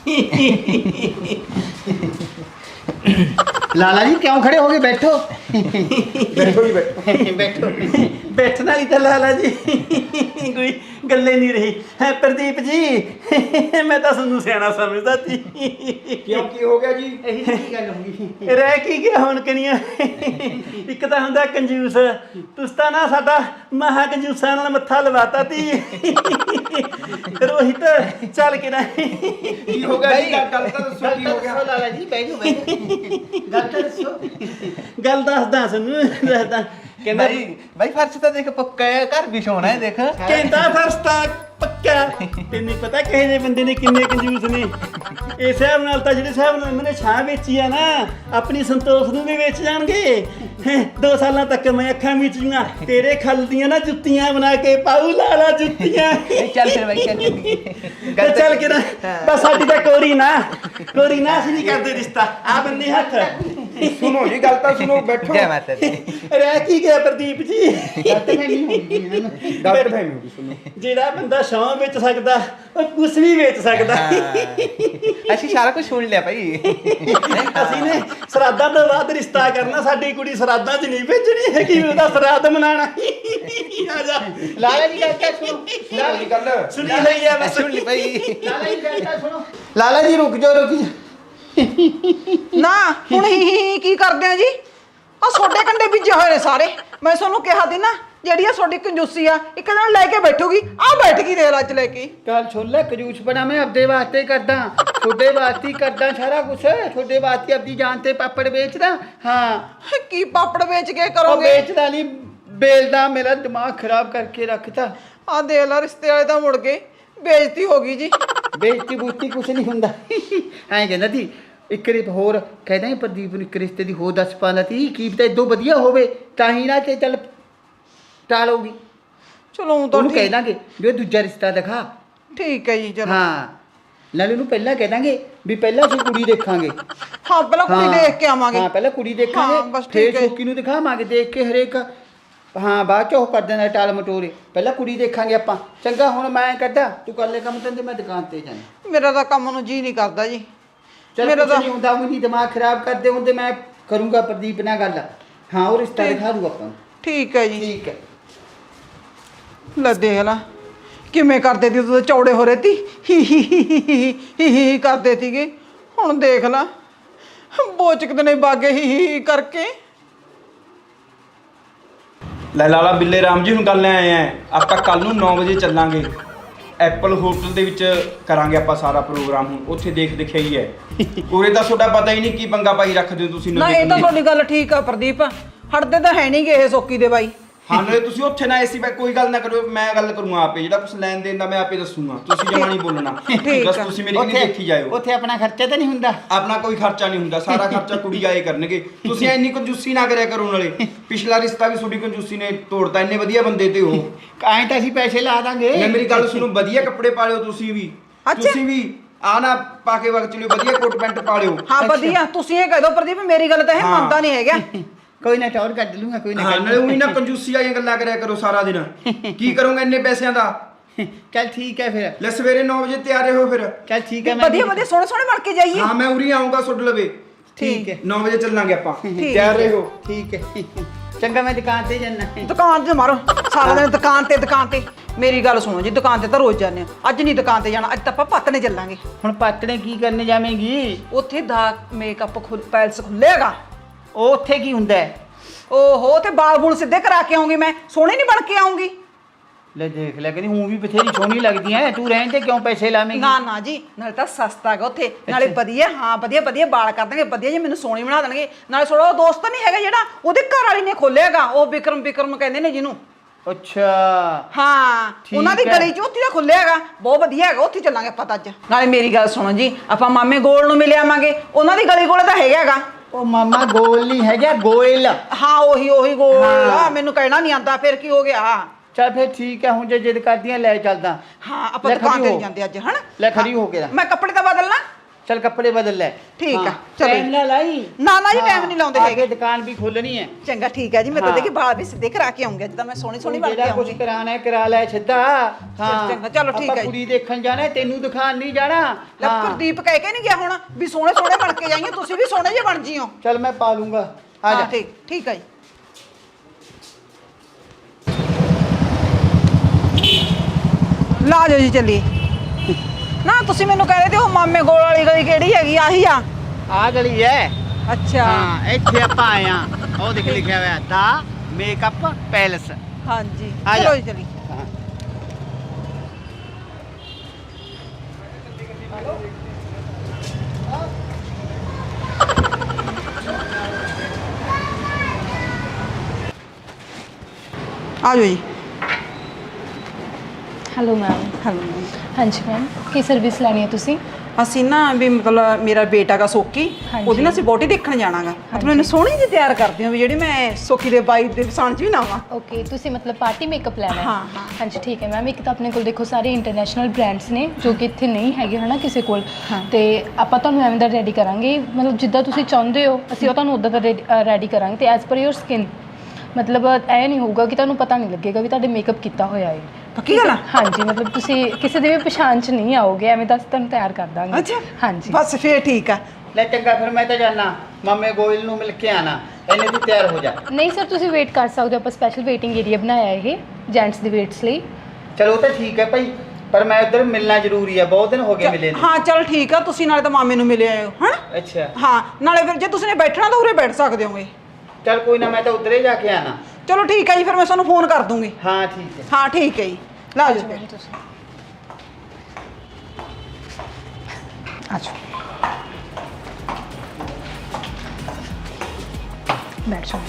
ਲਾਲਾ ਜੀ ਕਿਉਂ ਖੜੇ ਹੋ ਗਏ ਬੈਠੋ
ਬੈਠੋ ਜੀ ਬੈਠੋ
ਬੈਠੋ
ਬੈਠਣ ਵਾਲੀ ਤਾਂ ਲਾਲਾ ਜੀ ਕੋਈ ਗੱਲੇ ਨਹੀਂ ਰਹੀ ਹੈ ਪ੍ਰਦੀਪ ਜੀ ਮੈਂ ਤਾਂ ਤੁਹਾਨੂੰ ਸਿਆਣਾ ਸਮਝਦਾ ਸੀ
ਕਿਉਂ ਕੀ ਹੋ ਗਿਆ ਜੀ
ਇਹੀ ਕੀ ਗੱਲ ਹੋ ਗਈ
ਰਹਿ ਕੀ ਗਿਆ ਹੁਣ ਕਨੀਆਂ ਇੱਕ ਤਾਂ ਹੁੰਦਾ ਕੰਜੂਸ ਤੁਸੀਂ ਤਾਂ ਨਾ ਸਾਡਾ ਮਹਾ ਕੰਜੂਸਾਂ ਨਾਲ ਮੱਥਾ ਲਵਾਤਾ ਤੀ ਰੋਹਿਤ ਚੱਲ ਕੇ ਨਾ
ਕੀ ਹੋ ਗਿਆ ਜੀ ਗੱਲ ਤਾਂ ਦੱਸੋ ਕੀ ਹੋ ਗਿਆ
ਲਾਲਾ ਜੀ ਬੈਠੋ ਬੈਠੋ ਗੱਲ ਤਾਂ ਦੱਸੋ
ਗੱਲ ਦੱਸਦਾ ਸਾਨੂੰ ਦੱਸਦਾ ਕਹਿੰਦਾ
ਭਾਈ ਭਾਈ ਫਰਸ਼ ਤਾਂ ਦੇਖ ਪੱਕਾ ਹੈ ਘਰ ਵੀ ਸੋਹਣਾ ਹੈ ਦੇਖ
ਕਹਿੰਦਾ ਫਰਸਤਾ ਪੱਕਾ ਤੈਨੂੰ ਪਤਾ ਕਿਹੇ ਜਿਹੇ ਬੰਦੇ ਨੇ ਕਿੰਨੇ ਕੰਜੂਸ ਨੇ ਇਸ ਹਿਸਾਬ ਨਾਲ ਤਾਂ ਜਿਹੜੇ ਹਿਸਾਬ ਨਾਲ ਮੈਨੇ ਛਾਂ ਵੇਚੀ ਆ ਨਾ ਆਪਣੀ ਸੰਤੋਖ ਨੂੰ ਵੀ ਵੇਚ ਜਾਣਗੇ ਹੈਂ, ਦੋ ਸਾਲਾਂ ਤੱਕ ਮੈਂ ਅੱਖਾਂ ਮੀਚ ਜੂਆਂ ਤੇਰੇ ਖੱਲ ਦੀਆਂ ਨਾ ਜੁੱਤੀਆਂ ਬਣਾ ਕੇ ਪਾਉ ਲਾਲਾ ਜੁੱਤੀਆਂ
ਨਹੀਂ ਚੱਲ ਫਿਰ ਭਾਈ ਚੱਲ ਚੱਲੀਏ।
ਤੇ ਚੱਲ ਕੇ ਨਾ ਬਸ ਸਾਡੀ ਤਾਂ ਕੋਰੀ ਨਾ ਕੋਰੀ ਨਾ ਅਸੀਂ ਨਹੀਂ ਕਰਦੇ ਰਿਸ਼ਤਾ ਆ ਬੰਨੇ ਹੱਥ
ਸੁਣੋ ਜੀ ਗੱਲ ਤਾਂ ਸੁਣੋ ਬੈਠੋ
ਜੈ ਮਾਤਾ ਦੀ
ਰਹਿ ਕੀ ਗਿਆ ਪ੍ਰਦੀਪ ਜੀ
ਗਲਤ ਫਹਿਮੀ ਹੋ ਗਈ ਇਹਨਾਂ ਨੂੰ
ਗਲਤ ਫਹਿਮੀ ਹੋ ਗਈ ਸੁਣੋ
ਜਿਹੜਾ ਬੰਦਾ ਸ਼ੌਂ ਵੇਚ ਸਕਦਾ ਉਹ ਕੁਛ ਵੀ ਵੇਚ ਸਕਦਾ
ਅਸੀਂ ਸਾਰਾ ਕੁਝ ਸੁਣ ਲਿਆ ਭਾਈ
ਅਸੀਂ ਨੇ ਸਰਾਦਾਂ ਤੋਂ ਬਾਅਦ ਰਿਸ਼ਤਾ ਕਰਨਾ ਸਾਡੀ ਕੁੜੀ ਸਰਾਦਾਂ 'ਚ ਨਹੀਂ ਭੇਜਣੀ ਹੈਗੀ ਉਹਦਾ ਸਰਾਦ ਮਨਾਣਾ ਆ ਜਾ
ਲਾਲਾ ਜੀ ਗੱਲ ਤਾਂ ਸੁਣੋ
ਸੁਣੋ ਜੀ ਗੱਲ
ਸੁਣੀ ਹੋਈ ਆ ਬਸ
ਸੁਣ ਲਈ ਭਾਈ
ਲਾਲਾ ਜੀ ਗੱਲ ਤਾਂ ਸੁਣੋ ਲਾਲਾ ਜੀ ਰੁਕ ਜਾਓ ਰੁਕ ਜਾਓ
ਨਾ ਹੁਣ ਹੀ ਹੀ ਕੀ ਕਰਦੇ ਆ ਜੀ ਆ ਛੋਡੇ ਕੰਡੇ ਬੀਜੇ ਹੋਏ ਨੇ ਸਾਰੇ ਮੈਂ ਤੁਹਾਨੂੰ ਕਿਹਾ ਸੀ ਨਾ ਜਿਹੜੀ ਆ ਤੁਹਾਡੀ ਕੰਜੂਸੀ ਆ ਇੱਕ ਦਿਨ ਲੈ ਕੇ ਬੈਠੂਗੀ ਆ ਬੈਠ ਗਈ ਰੇਲ ਅੱਜ ਲੈ ਕੇ
ਕੱਲ ਛੋੜ ਲੈ ਕਜੂਸ ਬਣਾ ਮੈਂ ਆਪਦੇ ਵਾਸਤੇ ਕਰਦਾ ਛੋਡੇ ਵਾਸਤੇ ਹੀ ਕਰਦਾ ਸਾਰਾ ਕੁਛ ਛੋਡੇ ਵਾਸਤੇ ਆਪਦੀ ਜਾਨ ਤੇ ਪਾਪੜ ਵੇਚਦਾ ਹਾਂ
ਕੀ ਪਾਪੜ ਵੇਚ ਕੇ
ਉਹ
ਕਰੋਗੇ
ਵੇਚਦਾ ਨਹੀਂ ਬੇਲਦਾ ਮੇਰਾ ਦਿਮਾਗ ਖਰਾਬ ਕਰਕੇ ਰੱਖਤਾ
ਆ ਦੇਖ ਲਾ ਰਿਸ਼ਤੇ ਵਾਲੇ ਤਾਂ ਮੁੜ ਗਏ ਬੇਇੱਜ਼ਤੀ ਹੋ ਗਈ ਜੀ
ਬੇਇੱਜ਼ਤੀ ਬੂਤੀ ਕੁਛ ਨਹੀਂ ਹੁੰਦਾ ਐਂ ਕਹਿੰਦਾ ਸੀ ਇੱਕ ਰਿਪ ਹੋਰ ਕਹਿੰਦਾ ਸੀ ਪ੍ਰਦੀਪ ਨੂੰ ਇੱਕ ਰਿਸ਼ਤੇ ਦੀ ਹੋਰ ਦੱਸ ਪਾਣਾ ਤੀ ਕੀ ਪਤਾ ਇਦੋਂ ਵਧੀਆ ਹੋਵੇ ਤਾਂ ਹੀ ਨਾ ਤੇ ਚੱਲ ਟਾਲੋਗੀ
ਚਲੋ ਊਂ ਤਾਂ
ਉਹਨੂੰ ਕਹਿ
ਠੀਕ
ਦਾਂਗੇ ਜੋ ਦੂਜਾ ਰਿਸ਼ਤਾ ਦਿਖਾ
ਠੀਕ ਹੈ ਜੀ ਚਲੋ
ਹਾਂ ਨਾਲੇ ਉਹਨੂੰ ਪਹਿਲਾਂ ਕਹਿ ਦਾਂਗੇ ਵੀ ਪਹਿਲਾਂ ਅਸੀਂ ਕੁੜੀ ਦੇਖਾਂਗੇ
ਹਾਂ ਪਹਿਲਾਂ ਕੁੜੀ
ਹਾਂ।
ਦੇਖ ਕੇ ਆਵਾਂਗੇ
ਹਾਂ ਪਹਿਲਾਂ ਕੁੜੀ
ਹਾਂ,
ਦੇਖਾਂਗੇ
ਬਸ
ਫੇਰ
ਠੀਕ ਹੈ।
ਸ਼ੌਕੀ ਨੂੰ ਦਿਖਾਵਾਂਗੇ ਦੇਖ ਕੇ ਹਰੇਕ ਹਾਂ ਬਾਅਦ ਚ ਉਹ ਕਰ ਦੇਣਾ ਟਾਲ ਮਟੋਰੇ ਪਹਿਲਾਂ ਕੁੜੀ ਦੇਖਾਂਗੇ ਆਪਾਂ ਚੰਗਾ ਹੁਣ ਮੈਂ ਕੱਢਾ ਤੂੰ ਕਰ ਲੈ ਕੰਮ ਤੇ ਮੈਂ ਦੁਕਾਨ ਤੇ ਜਾਣਾ
ਮੇਰਾ ਤਾਂ ਕੰਮ ਨੂੰ ਜੀ ਨਹੀਂ ਕਰਦਾ ਜੀ
ਚਲ
ਮੇਰਾ
ਕੁਛ
ਤਾਂ
ਨਹੀਂ ਹੁੰਦਾ ਉਹ ਨਹੀਂ ਦਿਮਾਗ ਖਰਾਬ ਕਰਦੇ ਹੁੰਦੇ ਮੈਂ ਕਰੂੰਗਾ ਪ੍ਰਦੀਪ ਨਾਲ ਗੱਲ ਹਾਂ ਉਹ ਰਿਸ਼ਤਾ
ਠੀਕ।
ਦਿਖਾ ਦੂ ਆਪਾਂ ਨੂੰ।
ਠੀਕ ਹੈ ਜੀ
ਠੀਕ ਹੈ
ਲੈ ਦੇਖ ਲਾ ਕਿਵੇਂ ਕਰਦੇ ਤੀ ਤੂੰ ਚੌੜੇ ਹੋ ਰਹੇ ਤੀ ਹੀ ਹੀ ਹੀ ਹੀ ਹੀ ਹੀ ਹੀ ਕਰਦੇ ਤੀਗੇ ਹੁਣ ਦੇਖ ਲਾ ਬੋਚਕ ਨੇ ਬਾਗੇ ਹੀ ਹੀ ਹੀ ਕਰਕੇ
ਲੈ ਲਾਲਾ ਬਿੱਲੇ ਰਾਮ ਜੀ ਹੁਣ ਗੱਲ ਲੈ ਆਏ ਆ ਆਪਾਂ ਕੱਲ ਨੂੰ ਨੌ ਵਜੇ ਚੱਲਾਂਗੇ ਐਪਲ ਹੋਟਲ ਦੇ ਵਿੱਚ ਕਰਾਂਗੇ ਆਪਾਂ ਸਾਰਾ ਪ੍ਰੋਗਰਾਮ ਹੁਣ ਉੱਥੇ ਦੇਖ ਦਿਖਿਆ ਹੀ ਹੈ ਉਰੇ ਤਾਂ ਤੁਹਾਡਾ ਪਤਾ ਹੀ ਨਹੀਂ ਕੀ ਪੰਗਾ ਪਾਈ ਰੱਖਦੇ ਹੋ ਤੁਸੀਂ
ਨਾ ਇਹ ਤਾਂ ਤੁਹਾਡੀ ਗੱਲ ਠੀਕ ਆ ਪ੍ਰਦੀਪ ਹਟਦੇ ਤਾਂ ਹੈ ਨਹੀਂ ਗੇ ਇਹ ਸੋਕੀ ਦੇ ਬਾਈ
ਹਾਂ ਨਾਲੇ ਤੁਸੀਂ ਉੱਥੇ ਨਾ ਐਸੀ ਬੈ ਕੋਈ ਗੱਲ ਨਾ ਕਰੋ ਮੈਂ ਗੱਲ ਕਰੂੰਗਾ ਆਪੇ ਜਿਹੜਾ ਕੁਛ ਲੈਣ ਦੇਣ ਦਾ ਮੈਂ ਆਪੇ ਦੱਸੂਗਾ ਤੁਸੀਂ ਜਮਾ ਨਹੀਂ ਬੋਲਣਾ
ਠੀਕ
ਬਸ
ਆ।
ਤੁਸੀਂ ਮੇਰੀ ਕਿਹਨੀ ਦੇਖੀ ਜਾਇਓ
ਉੱਥੇ ਆਪਣਾ ਖਰਚਾ ਤਾਂ ਨਹੀਂ ਹੁੰਦਾ
ਆਪਣਾ ਕੋਈ ਖਰਚਾ ਨਹੀਂ ਹੁੰਦਾ ਸਾਰਾ ਖਰਚਾ ਕੁੜੀ ਆਏ ਕਰਨਗੇ ਤੁਸੀਂ ਇੰਨੀ ਕੰਜੂਸੀ ਨਾ ਕਰਿਆ ਕਰੋ ਨਾਲੇ ਪਿਛਲਾ ਰਿਸ਼ਤਾ ਵੀ ਤੁਹਾਡੀ ਕੰਜੂਸੀ ਨੇ ਤੋੜਤਾ ਇੰਨੇ ਵਧੀਆ ਬੰਦੇ ਤੇ ਉਹ
ਐਂ ਤਾਂ ਅਸੀਂ ਪੈਸੇ ਲਾ ਦਾਂਗੇ
ਮੈਂ ਮੇਰੀ ਗੱਲ ਸੁਣੋ ਵਧੀਆ ਕੱਪੜੇ ਪਾ ਲਿਓ ਤੁਸੀਂ ਵੀ
ਅੱਛਾ।
ਤੁਸੀਂ ਵੀ ਆ ਨਾ ਪਾ ਕੇ ਵਕਤ ਚਲਿਓ ਵਧੀਆ ਕੋਟ ਪੈਂਟ ਪਾ ਲਿਓ
ਹਾਂ ਵਧੀਆ ਤੁਸੀਂ ਇਹ ਕਹਿ ਦੋ ਪ੍ਰਦੀਪ ਮੇਰੀ ਗੱਲ ਤਾਂ ਇਹ
ਹਾਂ।
ਮੰਨਦਾ ਨਹੀਂ ਹੈਗਾ
ਕੋਈ ਨਾ ਟੌਰ ਕੱਢ ਲੂੰਗਾ ਕੋਈ ਨਾ
ਹਾਂ
ਕੱਢ
ਨਾਲੇ ਉਹੀ ਨਾ ਕੰਜੂਸੀ ਵਾਲੀਆਂ ਗੱਲਾਂ ਕਰਿਆ ਕਰੋ ਸਾਰਾ ਦਿਨ ਕੀ ਕਰੋਗੇ ਇੰਨੇ ਪੈਸਿਆਂ ਦਾ
ਚੱਲ ਠੀਕ ਹੈ ਫਿਰ
ਲੈ ਸਵੇਰੇ ਨੌ ਵਜੇ ਤਿਆਰ ਰਹੋ ਫਿਰ
ਚੱਲ ਠੀਕ ਹੈ ਮੈਂ
ਵਧੀਆ ਵਧੀਆ ਸੋਹਣੇ ਸੋਹਣੇ ਬਣ ਕੇ ਜਾਈਏ
ਹਾਂ ਮੈਂ ਉਰੀ ਆਉਂਗਾ ਸੁੱਡ ਲਵੇ
ਠੀਕ ਹੈ
ਨੌ ਵਜੇ ਚੱਲਾਂਗੇ ਆਪਾਂ
ਠੀਕ
ਤਿਆਰ ਰਹੋ
ਠੀਕ ਹੈ ਚੰਗਾ ਮੈਂ ਦੁਕਾਨ ਤੇ ਜਾਣਾ
ਦੁਕਾਨ ਤੇ ਮਾਰੋ ਸਾਰਾ ਦਿਨ ਦੁਕਾਨ ਤੇ ਦੁਕਾਨ ਤੇ ਮੇਰੀ ਗੱਲ ਸੁਣੋ ਜੀ ਦੁਕਾਨ ਤੇ ਤਾਂ ਰੋਜ਼ ਜਾਂਦੇ ਆ ਅੱਜ ਨਹੀਂ ਦੁਕਾਨ ਤੇ ਜਾਣਾ ਅੱਜ ਤਾਂ ਆਪਾਂ ਪੱਤਨੇ ਚੱਲਾਂਗੇ
ਹੁਣ ਪਾਤੜੇ ਕੀ ਕਰਨ ਜਾਵੇਂਗੀ
ਉੱਥੇ ਦਾ ਮੇਕਅਪ ਖੁੱਲ ਪੈਲਸ ਖੁੱਲੇਗਾ
ਉਹ ਉੱਥੇ ਕੀ ਹੁੰਦਾ ਹੈ
ਓਹੋ ਤੇ ਬਾਲ ਬੂਲ ਸਿੱਧੇ ਕਰਾ ਕੇ ਆਉਂਗੀ ਮੈਂ ਸੋਹਣੀ ਨਹੀਂ ਬਣ ਕੇ ਆਉਂਗੀ
ਲੈ ਦੇਖ ਲੈ ਕਹਿੰਦੀ ਹੂੰ ਵੀ ਬਥੇਰੀ ਸੋਹਣੀ ਲੱਗਦੀ ਐ ਤੂੰ ਰਹਿਣ ਤੇ ਕਿਉਂ ਪੈਸੇ ਲਾਵੇਂਗੀ
ਨਾ ਨਾ ਜੀ ਨਾਲੇ ਤਾਂ ਸਸਤਾ ਹੈਗਾ ਉੱਥੇ ਨਾਲੇ ਵਧੀਆ ਹਾਂ ਵਧੀਆ ਵਧੀਆ ਬਾਲ ਕਰ ਦੇਣਗੇ ਵਧੀਆ ਜੀ ਮੈਨੂੰ ਸੋਹਣੀ ਬਣਾ ਦੇਣਗੇ ਨਾਲੇ ਥੋੜਾ ਦੋਸਤ ਨਹੀਂ ਹੈਗਾ ਜਿਹੜਾ ਉਹਦੇ ਘਰ ਵਾਲੀ ਨੇ ਖੋਲਿਆਗਾ ਉਹ ਵਿਕਰਮ ਵਿਕਰਮ ਕਹਿੰਦੇ ਨੇ ਜਿਹਨੂੰ
ਅੱਛਾ
ਹਾਂ
ਠੀਕ
ਉਹਨਾਂ ਦੀ ਹੈ। ਗਲੀ ਚ ਉੱਥੇ ਦਾ ਖੁੱਲਿਆ ਹੈਗਾ ਬਹੁਤ ਵਧੀਆ ਹੈਗਾ ਉੱਥੇ ਚੱਲਾਂਗੇ ਆਪਾਂ ਤਾਂ ਅੱਜ ਨਾਲੇ ਮੇਰੀ ਗੱਲ ਸੁਣੋ ਜੀ ਆਪਾਂ ਮਾਮੇ ਗੋਲ ਨੂੰ ਮਿਲ ਆਵਾਂਗੇ ਉਹਨਾਂ ਦੀ ਗਲੀ ਕੋਲੇ ਤਾਂ ਹੈਗਾ ਹੈਗਾ
ਉਹ ਮਾਮਾ ਗੋਲ ਨਹੀਂ ਹੈਗਾ ਗੋਇਲ
ਹਾਂ ਉਹੀ ਉਹੀ ਗੋਲ
ਹਾਂ।
ਆ ਮੈਨੂੰ ਕਹਿਣਾ ਨਹੀਂ ਆਉਂਦਾ ਫਿਰ ਕੀ ਹੋ ਗਿਆ
ਚੱਲ ਫਿਰ ਠੀਕ ਹੈ ਹੁਣ ਜੇ ਜਿੱਦ ਕਰਦੀਆਂ ਲੈ ਚੱਲਦਾ
ਹਾਂ ਆਪਾਂ
ਲੈ
ਦੁਕਾਨ
ਖੜੀ
ਤੇ
ਹੋ।
ਨੀ ਜਾਂਦੇ ਅੱਜ ਹਨਾ
ਲੈ ਖੜੀ ਹੋ ਕੇ ਨਾ।
ਮੈਂ ਕੱਪੜੇ ਤਾਂ ਬਦਲਣਾ
चल कपड़े बदल ले।
ठीक है,
हाँ,
चलो।
टाइम ना लाई।
ना ना जी,
हाँ,
टाइम नहीं लाਉਂਦੇ
आगे
ਹੈਗੇ।
दुकान भी खोलनी है।
ਚੰਗਾ ਠੀਕ ਹੈ ਜੀ, ਮੈਂ ਤਾਂ
ਹਾਂ।
ਦੇਖੀ ਬਾਲ ਵੀ ਸਿੱਧੇ ਕਰਾ ਕੇ ਆਉਂਗੀ, ਜਿੱਦਾਂ ਮੈਂ ਸੋਹਣੀ ਸੋਹਣੀ ਬਣ ਕੇ
ਜਿਹੜਾ ਕੁਝ
ਆਉਂਗੀ।
ਕਰਾਣਾ ਹੈ ਕਰਾ ਲੈ ਸਿੱਧਾ। ਹਾਂ
ਚੰਗਾ, ਚਲੋ ਠੀਕ
ਆਪਾਂ
ਹੈ ਜੀ।
ਕੁੜੀ ਦੇਖਣ ਜਾਣਾ ਹੈ, ਤੈਨੂੰ ਦਿਖਾਣ ਨਹੀਂ ਜਾਣਾ।
ਲੈ
ਹਾਂ।
ਪ੍ਰਦੀਪ ਕਹਿ ਕੇ ਨਹੀਂ ਗਿਆ ਹੁਣ ਵੀ ਸੋਹਣੇ ਸੋਹਣੇ ਬਣ ਕੇ ਜਾਈਏ, ਤੁਸੀਂ ਵੀ ਸੋਹਣੇ ਜਿਹੇ ਬਣ ਜਿਓ।
चल मैं पा लूंगा। आ
ਹਾਂ
जा।
ਠੀਕ ਠੀਕ ਹੈ ਜੀ। ਲਾ ਜਾਓ ਜੀ, ਚੱਲੀਏ। ਨਾ ਤੁਸੀਂ ਮੈਨੂੰ ਕਹਿ ਰਹੇ ਤੇ ਉਹ ਮਾਮੇ ਗੋਲ ਵਾਲੀ ਗਲੀ ਕਿਹੜੀ ਹੈਗੀ? ਆਹੀ ਆ?
ਆ ਗਲੀ ਹੈ।
ਅੱਛਾ
ਹਾਂ ਇੱਥੇ ਆਪਾਂ ਆਏ ਆ। ਉਹ ਦੇਖ ਲਿਖਿਆ ਹੋਇਆ ਦਾ ਮੇਕਅਪ ਪੈਲਸ।
ਹਾਂਜੀ,
ਆ ਜਾ।
ਚਲੋ ਜੀ ਚੱਲੀਏ।
ਹਾਂ।
ਆ ਜਾਓ ਜੀ।
Hello ma'am.
ਹੈਲੋ।
ਹਾਂਜੀ ਮੈਮ, ਕੀ ਸਰਵਿਸ ਲੈਣੀ ਹੈ ਤੁਸੀਂ?
ਅਸੀਂ ਨਾ ਵੀ ਮਤਲਬ ਮੇਰਾ ਬੇਟਾ ਦਾ ਸੋਕੀ,
ਹਾਂਜੀ।
ਉਹਦੀ ਨਾ ਅਸੀਂ ਬੋਟੀ ਦੇਖਣ ਜਾਣਾਗਾ। ਮਤਲਬ ਇਹਨੂੰ ਸੋਹਣੀ ਜਿਹੀ ਤਿਆਰ ਕਰਦੇ ਹਾਂ ਵੀ ਜਿਹੜੀ ਮੈਂ ਸੋਕੀ ਦੇ ਬਾਈ ਦੇ ਵਸਾਣ ਚ ਵੀ ਨਾ ਆਵਾਂ।
ਓਕੇ, ਤੁਸੀਂ ਮਤਲਬ ਪਾਰਟੀ ਮੇਕਅਪ ਲੈਣਾ ਹੈ?
ਹਾਂ, ਹਾਂ।
ਹਾਂਜੀ ਠੀਕ ਹੈ ਮੈਮ। ਇੱਕ ਤਾਂ ਆਪਣੇ ਕੋਲ ਦੇਖੋ ਸਾਰੇ ਇੰਟਰਨੈਸ਼ਨਲ ਬ੍ਰਾਂਡਸ ਨੇ ਜੋ ਕਿ ਇੱਥੇ ਨਹੀਂ ਹੈਗੇ ਹਨਾ ਕਿਸੇ ਕੋਲ,
ਹਾਂ।
ਤੇ ਆਪਾਂ ਤੁਹਾਨੂੰ ਐਵੇਂ ਦਾ ਰੈਡੀ ਕਰਾਂਗੇ, ਮਤਲਬ ਜਿੱਦਾਂ ਤੁਸੀਂ ਚਾਹੁੰਦੇ ਹੋ ਅਸੀਂ ਉਹ ਤੁਹਾਨੂੰ ਉੱਦਾਂ ਦਾ ਰੈਡੀ ਕਰਾਂਗੇ, ਤੇ ਐਜ਼ ਪਰ ਯੋਰ ਸਕਿਨ। ਮਤਲਬ ਐ ਨਹੀਂ ਹੋਊਗਾ ਕਿ ਤੁਹਾਨੂੰ ਪਤਾ ਨਹੀਂ ਲੱਗੇਗਾ ਵੀ ਤੁਹਾਡੇ ਮੇਕਅਪ ਕੀਤਾ ਹੋਇਆ ਹੈ।
ਪੱਕੀ ਗੱਲ ਆ?
ਹਾਂਜੀ, ਮਤਲਬ ਤੁਸੀਂ ਕਿਸੇ ਦੇ ਵੀ ਪਛਾਣ ਚ ਨਹੀਂ ਆਓਗੇ, ਐਵੇਂ ਦਾ ਅਸੀਂ ਤੁਹਾਨੂੰ ਤਿਆਰ ਕਰ ਦਾਂਗੇ।
ਅੱਛਾ
ਹਾਂਜੀ
ਬਸ ਫੇਰ ਠੀਕ ਆ।
ਲੈ ਚੰਗਾ ਫਿਰ ਮੈਂ ਤਾਂ ਜਾਣਾ ਮਾਮੇ ਗੋਇਲ ਨੂੰ ਮਿਲ ਕੇ ਆਣਾ। ਇਹਨੇ ਤੂੰ ਤਿਆਰ ਹੋ ਜਾ।
ਨਹੀਂ ਸਰ, ਤੁਸੀਂ ਵੇਟ ਕਰ ਸਕਦੇ ਹੋ, ਆਪਾਂ ਸਪੈਸ਼ਲ ਵੇਟਿੰਗ ਏਰੀਆ ਬਣਾਇਆ ਇਹ ਜੈਂਟਸ ਦੇ ਵੇਟਸ ਲਈ।
ਚਲੋ ਉਹ ਤਾਂ ਠੀਕ ਹੈ ਭਾਈ, ਪਰ ਮੈਂ ਉਧਰ ਮਿਲਣਾ ਜ਼ਰੂਰੀ ਹੈ, ਬਹੁਤ ਦਿਨ ਹੋ ਗਏ ਮਿਲੇ ਨੂੰ।
ਹਾਂ ਚਲ ਠੀਕ ਆ, ਤੁਸੀਂ ਨਾਲੇ ਤਾਂ ਮਾਮੇ ਨੂੰ ਮਿਲੇ ਆਏ ਹੋ ਹਨਾ।
ਅੱਛਾ
ਹਾਂ, ਨਾਲੇ ਫਿਰ ਜੇ ਤੁਸੀਂ ਨੇ ਬੈਠਣਾ ਤਾਂ ਉਰੇ ਬੈਠ ਸਕਦੇ ਹੋਗੇ।
ਚਲ ਕੋਈ ਨਾ, ਮੈਂ ਤਾਂ ਉਧਰ ਹੀ ਜਾ ਕੇ ਆਣਾ।
ਚਲੋ ਠੀਕ ਹੈ ਜੀ, ਫਿਰ ਮੈਂ ਤੁਹਾਨੂੰ ਫੋਨ ਕਰ ਦੂੰਗੀ।
ਹਾਂ ਠੀਕ ਹੈ।
ਹਾਂ ਠੀਕ ਹੈ ਜੀ, ਲਾ ਜਾਓ ਫਿਰ।
ਤੁਸੀਂ
ਅੱਛਾ
ਬੈਠ ਜਾਓ।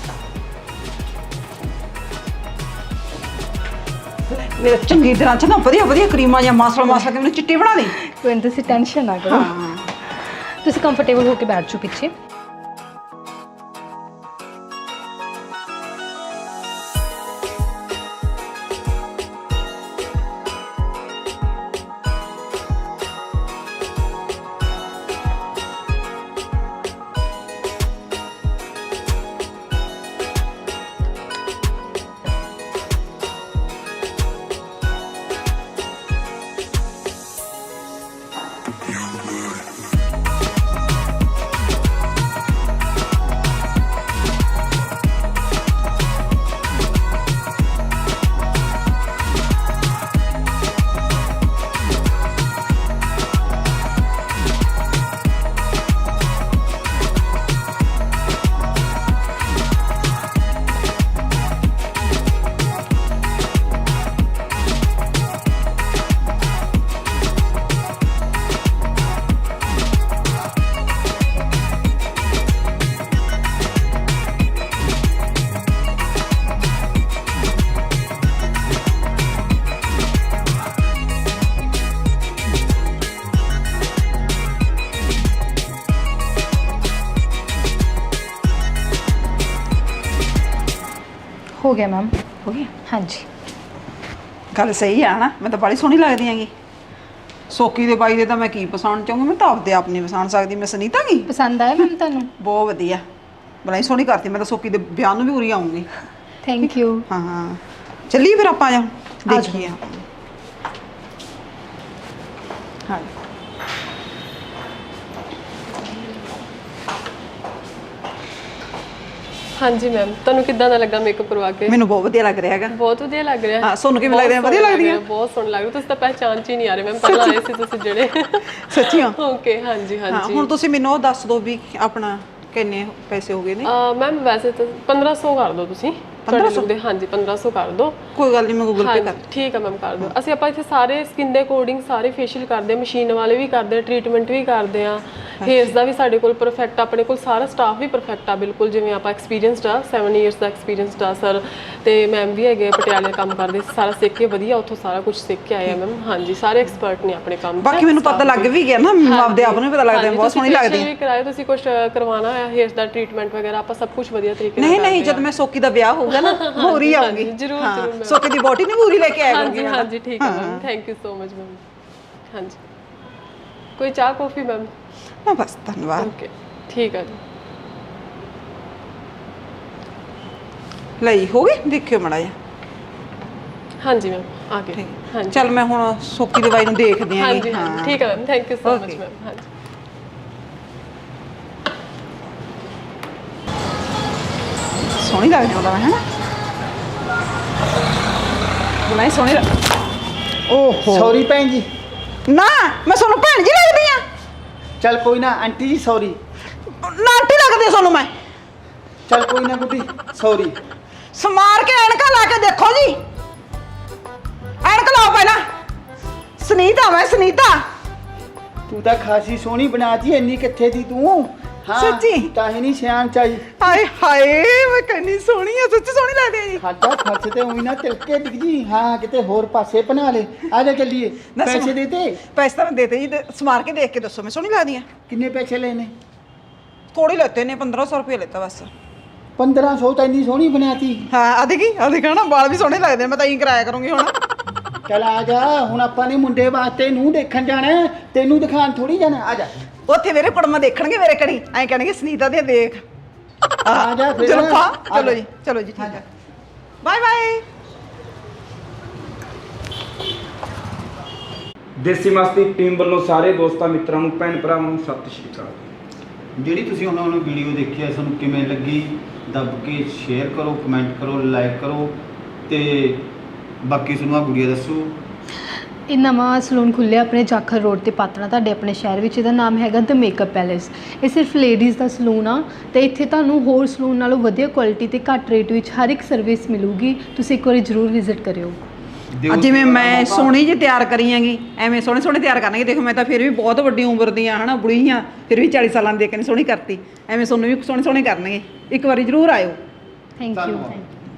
ਮੇਰੇ ਚੰਗੀ ਤਰ੍ਹਾਂ ਚ ਨਾ ਵਧੀਆ ਵਧੀਆ ਕਰੀਮਾਂ ਜਾਂ ਮਾਸਲ ਮਾਸਲ ਕੇ ਮੈਨੂੰ ਚਿੱਟੀ ਬਣਾ ਦੇ।
ਕੋਈ ਨਹੀਂ, ਤੁਸੀਂ ਟੈਨਸ਼ਨ ਨਾ ਕਰੋ।
ਹਾਂ
ਤੁਸੀਂ ਕੰਫਰਟੇਬਲ ਹੋ ਕੇ ਬੈਠ ਜਾਓ ਪਿੱਛੇ। ਹੋ ਗਿਆ ਮੈਮ।
ਹੋ ਗਿਆ।
ਹਾਂਜੀ
ਗੱਲ ਸਹੀ ਆ ਨਾ, ਮੈਂ ਤਾਂ ਬੜੀ ਸੋਹਣੀ ਲੱਗਦੀ ਹੈਗੀ। ਸੋਕੀ ਦੇ ਬਾਈ ਦੇ ਤਾਂ ਮੈਂ ਕੀ ਪਛਾਣ ਚਾਹੂੰਗੀ, ਮੈਂ ਤਾਂ ਆਪਦੇ ਆਪ ਨਹੀਂ ਪਛਾਣ ਸਕਦੀ। ਮੈਂ ਸੁਨੀਤਾ ਗੀ।
ਪਸੰਦ ਆਇਆ ਮੈਮ ਤੁਹਾਨੂੰ?
ਬਹੁਤ ਵਧੀਆ, ਬੜਾ ਹੀ ਸੋਹਣੀ ਕਰਤੀ। ਮੈਂ ਤਾਂ ਸੋਕੀ ਦੇ ਵਿਆਹ ਨੂੰ ਵੀ ਉਰੀ ਆਉਂਗੀ।
Thank you.
ਹਾਂ ਹਾਂ, ਚੱਲੀਏ ਫਿਰ ਆਪਾਂ ਜਾ ਦੇਖੀਏ। ਹਾਂ
ਹਾਂਜੀ ਮੈਮ, ਤੁਹਾਨੂੰ ਕਿੱਦਾਂ ਦਾ ਲੱਗਾ ਮੇਕਅਪ ਕਰਵਾ ਕੇ?
ਮੈਨੂੰ ਬਹੁਤ ਵਧੀਆ ਲੱਗ ਰਿਹਾ ਹੈਗਾ।
ਬਹੁਤ ਵਧੀਆ ਲੱਗ ਰਿਹਾ।
ਹਾਂ, ਤੁਹਾਨੂੰ ਕਿਵੇਂ ਲੱਗ ਰਿਹਾ?
ਬਹੁਤ
ਵਧੀਆ
ਸੋਹਣਾ
ਲੱਗਦੀ
ਲੱਗ
ਹੈ?
ਰਿਹਾ, ਬਹੁਤ ਸੋਹਣਾ ਲੱਗ ਰਿਹਾ। ਤੁਸੀਂ ਤਾਂ ਪਹਿਚਾਣ ਚ ਹੀ ਨਹੀਂ ਆ ਰਹੇ ਮੈਮ, ਪਹਿਲਾਂ ਆਏ ਸੀ ਤੁਸੀਂ ਜਿਹੜੇ।
ਸੱਚੀ ਹੋ?
ਓਕੇ, ਹਾਂਜੀ
ਹਾਂ,
ਹਾਂਜੀ।
ਹੁਣ ਤੁਸੀਂ ਮੈਨੂੰ ਉਹ ਦੱਸ ਦਿਓ ਵੀ ਆਪਣਾ ਕਿੰਨੇ ਪੈਸੇ ਹੋ ਗਏ ਨੇ।
ਮੈਮ ਵੈਸੇ ਤਾਂ ਪੰਦਰਾਂ ਸੌ ਕਰ ਦਿਓ ਤੁਸੀਂ।
ਪੰਦਰਾਂ ਸੌ?
ਤੁਹਾਡੇ look ਦੇ ਹਾਂਜੀ ਪੰਦਰਾਂ ਸੌ ਕਰ ਦਿਓ।
ਕੋਈ ਗੱਲ ਨਹੀਂ, ਮੈਂ ਗੂਗਲ ਪੇ
ਹਾਂਜੀ
ਕਰ।
ਠੀਕ ਹੈ ਮੈਮ, ਕਰ ਦਿਓ। ਅਸੀਂ ਆਪਾਂ ਇੱਥੇ ਸਾਰੇ ਸਕਿਨ ਦੇ ਅਕੋਰਡਿੰਗ ਸਾਰੇ ਫੇਸ਼ੀਅਲ ਕਰਦੇ ਹਾਂ, ਮਸ਼ੀਨ ਵਾਲੇ ਵੀ ਕਰਦੇ ਹਾਂ, ਟ੍ਰੀਟਮੈਂਟ ਵੀ ਕਰਦੇ ਹਾਂ, ਹੇਅਰਸ ਦਾ ਵੀ ਸਾਡੇ ਕੋਲ ਪਰਫੈਕਟ, ਆਪਣੇ ਕੋਲ ਸਾਰਾ ਸਟਾਫ ਵੀ ਪਰਫੈਕਟ ਆ ਬਿਲਕੁਲ। ਜਿਵੇਂ ਆਪਾਂ ਐਕਸਪੀਰੀਅੰਸਡ ਆ, ਸੈਵਨ ਇਅਰਸ ਦਾ ਐਕਸਪੀਰੀਅੰਸਡ ਆ ਸਰ, ਤੇ ਮੈਮ ਵੀ ਹੈਗੇ ਪਟਿਆਲੇ ਕੰਮ ਕਰਦੇ, ਸਾਰਾ ਸਿੱਖ ਕੇ ਵਧੀਆ ਉੱਥੋਂ ਸਾਰਾ ਕੁਝ ਸਿੱਖ ਕੇ ਆਏ ਆ ਮੈਮ। ਹਾਂਜੀ, ਸਾਰੇ ਐਕਸਪਰਟ ਨੇ ਆਪਣੇ ਕੰਮ 'ਚ।
ਬਾਕੀ ਮੈਨੂੰ ਪਤਾ ਲੱਗ ਵੀ ਗਿਆ ਨਾ, ਮੈਨੂੰ ਆਪਦੇ ਆਪ ਨੂੰ ਵੀ ਪਤਾ ਲੱਗਦਾ ਬਹੁਤ ਸੋਹਣੀ ਲੱਗਦੀ
ਹੈ। ਕਰਾਏ ਤੁਸੀਂ ਕੁਝ ਕਰਵਾਉਣਾ ਹੈ ਹੇਅਰਸ ਦਾ ਟ੍ਰੀਟਮੈਂਟ ਵਗੈਰਾ, ਆਪਾਂ ਸਭ ਕੁਝ ਵਧੀਆ ਤਰੀਕੇ ਨਾਲ
ਨਹੀਂ ਨਹੀਂ, ਜਦ ਮੈਂ ਸੋਕੀ ਦਾ ਵਿਆਹ ਹੋਊਗਾ ਨਾ ਮੂਰੀ ਆਉਂਗੀ।
ਜ਼ਰੂਰ
ਹਾਂ,
ਜ਼ਰੂਰ
ਸੋਕੀ ਦੀ ਬੋਟੀ ਨਹੀਂ ਮੂਰੀ ਲੈ ਕੇ ਆਇਆ
ਹਾਂਜੀ ਹਾਂਜੀ ਠੀਕ ਹੈ ma'am, thank you so much ma'am. ਹਾਂਜੀ ਕੋਈ ਚਾਹ ਕੌਫੀ ਮੈਮ?
ਨਾ ਬਸ ਧੰਨਵਾਦ।
ਓਕੇ ਠੀਕ ਹੈ ਜੀ।
ਲਈ ਹੋ ਗਈ, ਦੇਖਿਓ ਮੜਾ ਜਾ।
ਹਾਂਜੀ ਮੈਮ ਆ ਗਏ। ਹਾਂਜੀ
ਚੱਲ ਮੈਂ ਹੁਣ ਸੋਕੀ ਦਵਾਈ ਨੂੰ ਦੇਖਦੀ ਆਂ।
ਹਾਂਜੀ ਹਾਂ ਠੀਕ ਹੈ ma'am, thank you so much
Okay.
Ma'am. ਹਾਂਜੀ
ਸੋਹਣੀ ਲੱਗਦੀ ਉਹਦਾ ਮੈਂ, ਹੈ ਬੁਲਾਈ ਸੋਹਣੀ ਲੱਗ। ਓਹੋ
ਸੌਰੀ ਭੈਣ ਜੀ।
ਨਾ ਮੈਂ ਤੁਹਾਨੂੰ ਭੈਣ ਜੀ ਲੱਗਦੀ ਆ?
ਚੱਲ ਕੋਈ ਨਾ ਆਂਟੀ ਜੀ ਸੌਰੀ।
ਨਾ ਆਂਟੀ ਲੱਗਦੀ ਆ ਤੁਹਾਨੂੰ ਮੈਂ?
ਚੱਲ ਕੋਈ ਨਾ ਗੁੱਡੀ ਸੌਰੀ।
ਸਮਾਰ ਕੇ ਐਨਕਾਂ ਲਾ ਕੇ ਦੇਖੋ ਜੀ, ਐਨਕ ਲਾਓ ਪਹਿਲਾਂ। ਸੁਨੀਤਾ ਮੈਂ ਸੁਨੀਤਾ।
ਤੂੰ ਤਾਂ ਖਾਸੀ ਸੋਹਣੀ ਬਣਾਤੀ, ਇੰਨੀ ਕਿੱਥੇ ਦੀ ਤੂੰ? ਹਾਂ
ਸੱਚੀ?
ਤਾਂ ਹੀ ਨਹੀਂ ਸਿਆਣ ਚਾਹੀ।
ਹਾਏ ਹਾਏ ਮੈਂ ਕਹਿੰਦੀ ਸੋਹਣੀ ਆ, ਸੱਚੀ ਸੋਹਣੀ ਲੱਗਦੀ ਆ ਜੀ।
ਖਾਦਾ ਫਸ ਤੇ ਉਹੀ ਨਾ ਤਿਲਕੇ ਦਿਖ ਜੀ। ਹਾਂ ਕਿਤੇ ਹੋਰ ਪਾਸੇ ਬਣਾ ਲੈ। ਆ ਜਾ ਚੱਲੀਏ।
ਨਾ
ਪੈਸੇ
ਸਮ-
ਦੇ ਤੇ?
ਪੈਸੇ ਤਾਂ ਮੈਂ ਦੇਤੇ ਜੀ, ਤੇ ਸਮਾਰ ਕੇ ਦੇਖ ਕੇ ਦੱਸੋ ਮੈਂ ਸੋਹਣੀ ਲੱਗਦੀ ਆ?
ਕਿੰਨੇ ਪੈਸੇ ਲੈਣੇ?
ਥੋੜੀ ਲੈਤੇ ਨੇ, ਪੰਦਰਾਂ ਸੌ ਰੁਪਏ ਲੈਤਾ ਬਸ।
ਪੰਦਰਾਂ ਸੌ ਤਾਂ ਇੰਨੀ ਸੋਹਣੀ ਬਣਾਤੀ।
ਹਾਂ ਆ ਦੇਖੀ ਆ ਦੇਖਾ ਨਾ, ਵਾਲ ਵੀ ਸੋਹਣੇ ਲੱਗਦੇ ਨੇ, ਮੈਂ ਤਾਂ ਇਹੀ ਕਰਾਇਆ ਕਰੂੰਗੀ ਹੁਣ।
ਚੱਲ ਆ ਜਾ, ਹੁਣ ਆਪਾਂ ਨੇ ਮੁੰਡੇ ਵਾਸਤੇ ਨੂੰ ਦੇਖਣ ਜਾਣਾ, ਤੈਨੂੰ ਦਿਖਾਣ ਥੋੜੀ ਜਾਣਾ। ਆ ਜਾ
ਉੱਥੇ ਮੇਰੇ ਕੁੜਮਾ ਦੇਖਣਗੇ ਮੇਰੇ ਕਣੀ, ਐਂ ਕਹਿਣਗੇ ਸੁਨੀਤਾ ਦੇ ਦੇਖ।
ਆ ਜਾ ਫਿਰ।
ਚਲੋ ਪਾ
ਆ
ਚਲੋ
ਜਾ।
ਜੀ, ਚਲੋ ਜੀ, ਠੀਕ ਹੈ, ਬਾਏ ਬਾਏ।
ਦੇਸੀ ਮਸਤੀ ਟੀਮ ਵੱਲੋਂ ਸਾਰੇ ਦੋਸਤਾਂ ਮਿੱਤਰਾਂ ਨੂੰ ਭੈਣ ਭਰਾਵਾਂ ਨੂੰ ਸਤਿ ਸ਼੍ਰੀ ਅਕਾਲ।
ਜਿਹੜੀ ਤੁਸੀਂ ਉਹਨਾਂ ਨੂੰ ਵੀਡੀਓ ਦੇਖੀ ਹੈ, ਤੁਹਾਨੂੰ ਕਿਵੇਂ ਲੱਗੀ? ਦੱਬ ਕੇ ਸ਼ੇਅਰ ਕਰੋ, ਕਮੈਂਟ ਕਰੋ, ਲਾਈਕ ਕਰੋ, ਤੇ ਬਾਕੀ ਤੁਹਾਨੂੰ ਆ ਗੁੜੀਆ ਦੱਸੋ।
ਇਹ ਨਵਾਂ ਸਲੂਨ ਖੁੱਲ੍ਹਿਆ ਆਪਣੇ ਜਾਖਲ ਰੋਡ ਤੇ ਪਾਤਣਾ, ਤੁਹਾਡੇ ਆਪਣੇ ਸ਼ਹਿਰ ਵਿੱਚ। ਇਹਦਾ ਨਾਮ ਹੈਗਾ ਦ ਮੇਕਅਪ ਪੈਲੇਸ। ਇਹ ਸਿਰਫ ਲੇਡੀਜ਼ ਦਾ ਸਲੂਨ ਆ, ਤੇ ਇੱਥੇ ਤੁਹਾਨੂੰ ਹੋਰ ਸਲੂਨ ਨਾਲੋਂ ਵਧੀਆ ਕੁਆਲਿਟੀ ਤੇ ਘੱਟ ਰੇਟ ਵਿੱਚ ਹਰ ਇੱਕ ਸਰਵਿਸ ਮਿਲੂਗੀ। ਤੁਸੀਂ ਇੱਕ ਵਾਰੀ ਜ਼ਰੂਰ ਵਿਜ਼ਿਟ ਕਰਿਓ।
ਅੱਜ ਜਿਵੇਂ ਮੈਂ ਸੋਹਣੀ ਜਿਹੀ ਤਿਆਰ ਕਰੀ ਆਂਗੀ, ਐਵੇਂ ਸੋਹਣੇ ਸੋਹਣੇ ਤਿਆਰ ਕਰਨਗੇ। ਦੇਖੋ ਮੈਂ ਤਾਂ ਫਿਰ ਵੀ ਬਹੁਤ ਵੱਡੀ ਉਮਰ ਦੀ ਆ, ਹਨਾ, ਬੁੜੀ ਆ, ਫਿਰ ਵੀ ਚਾਲੀ ਸਾਲਾਂ ਦੀ ਦੇਖ ਕੇ ਸੋਹਣੀ ਕਰਤੀ। ਐਵੇਂ ਤੁਹਾਨੂੰ ਵੀ ਸੋਹਣੇ ਸੋਹਣੇ ਕਰਨਗੇ, ਇੱਕ ਵਾਰੀ ਜ਼ਰੂਰ ਆਇਓ।
Thank you.
ਧੰਨਵਾਦ।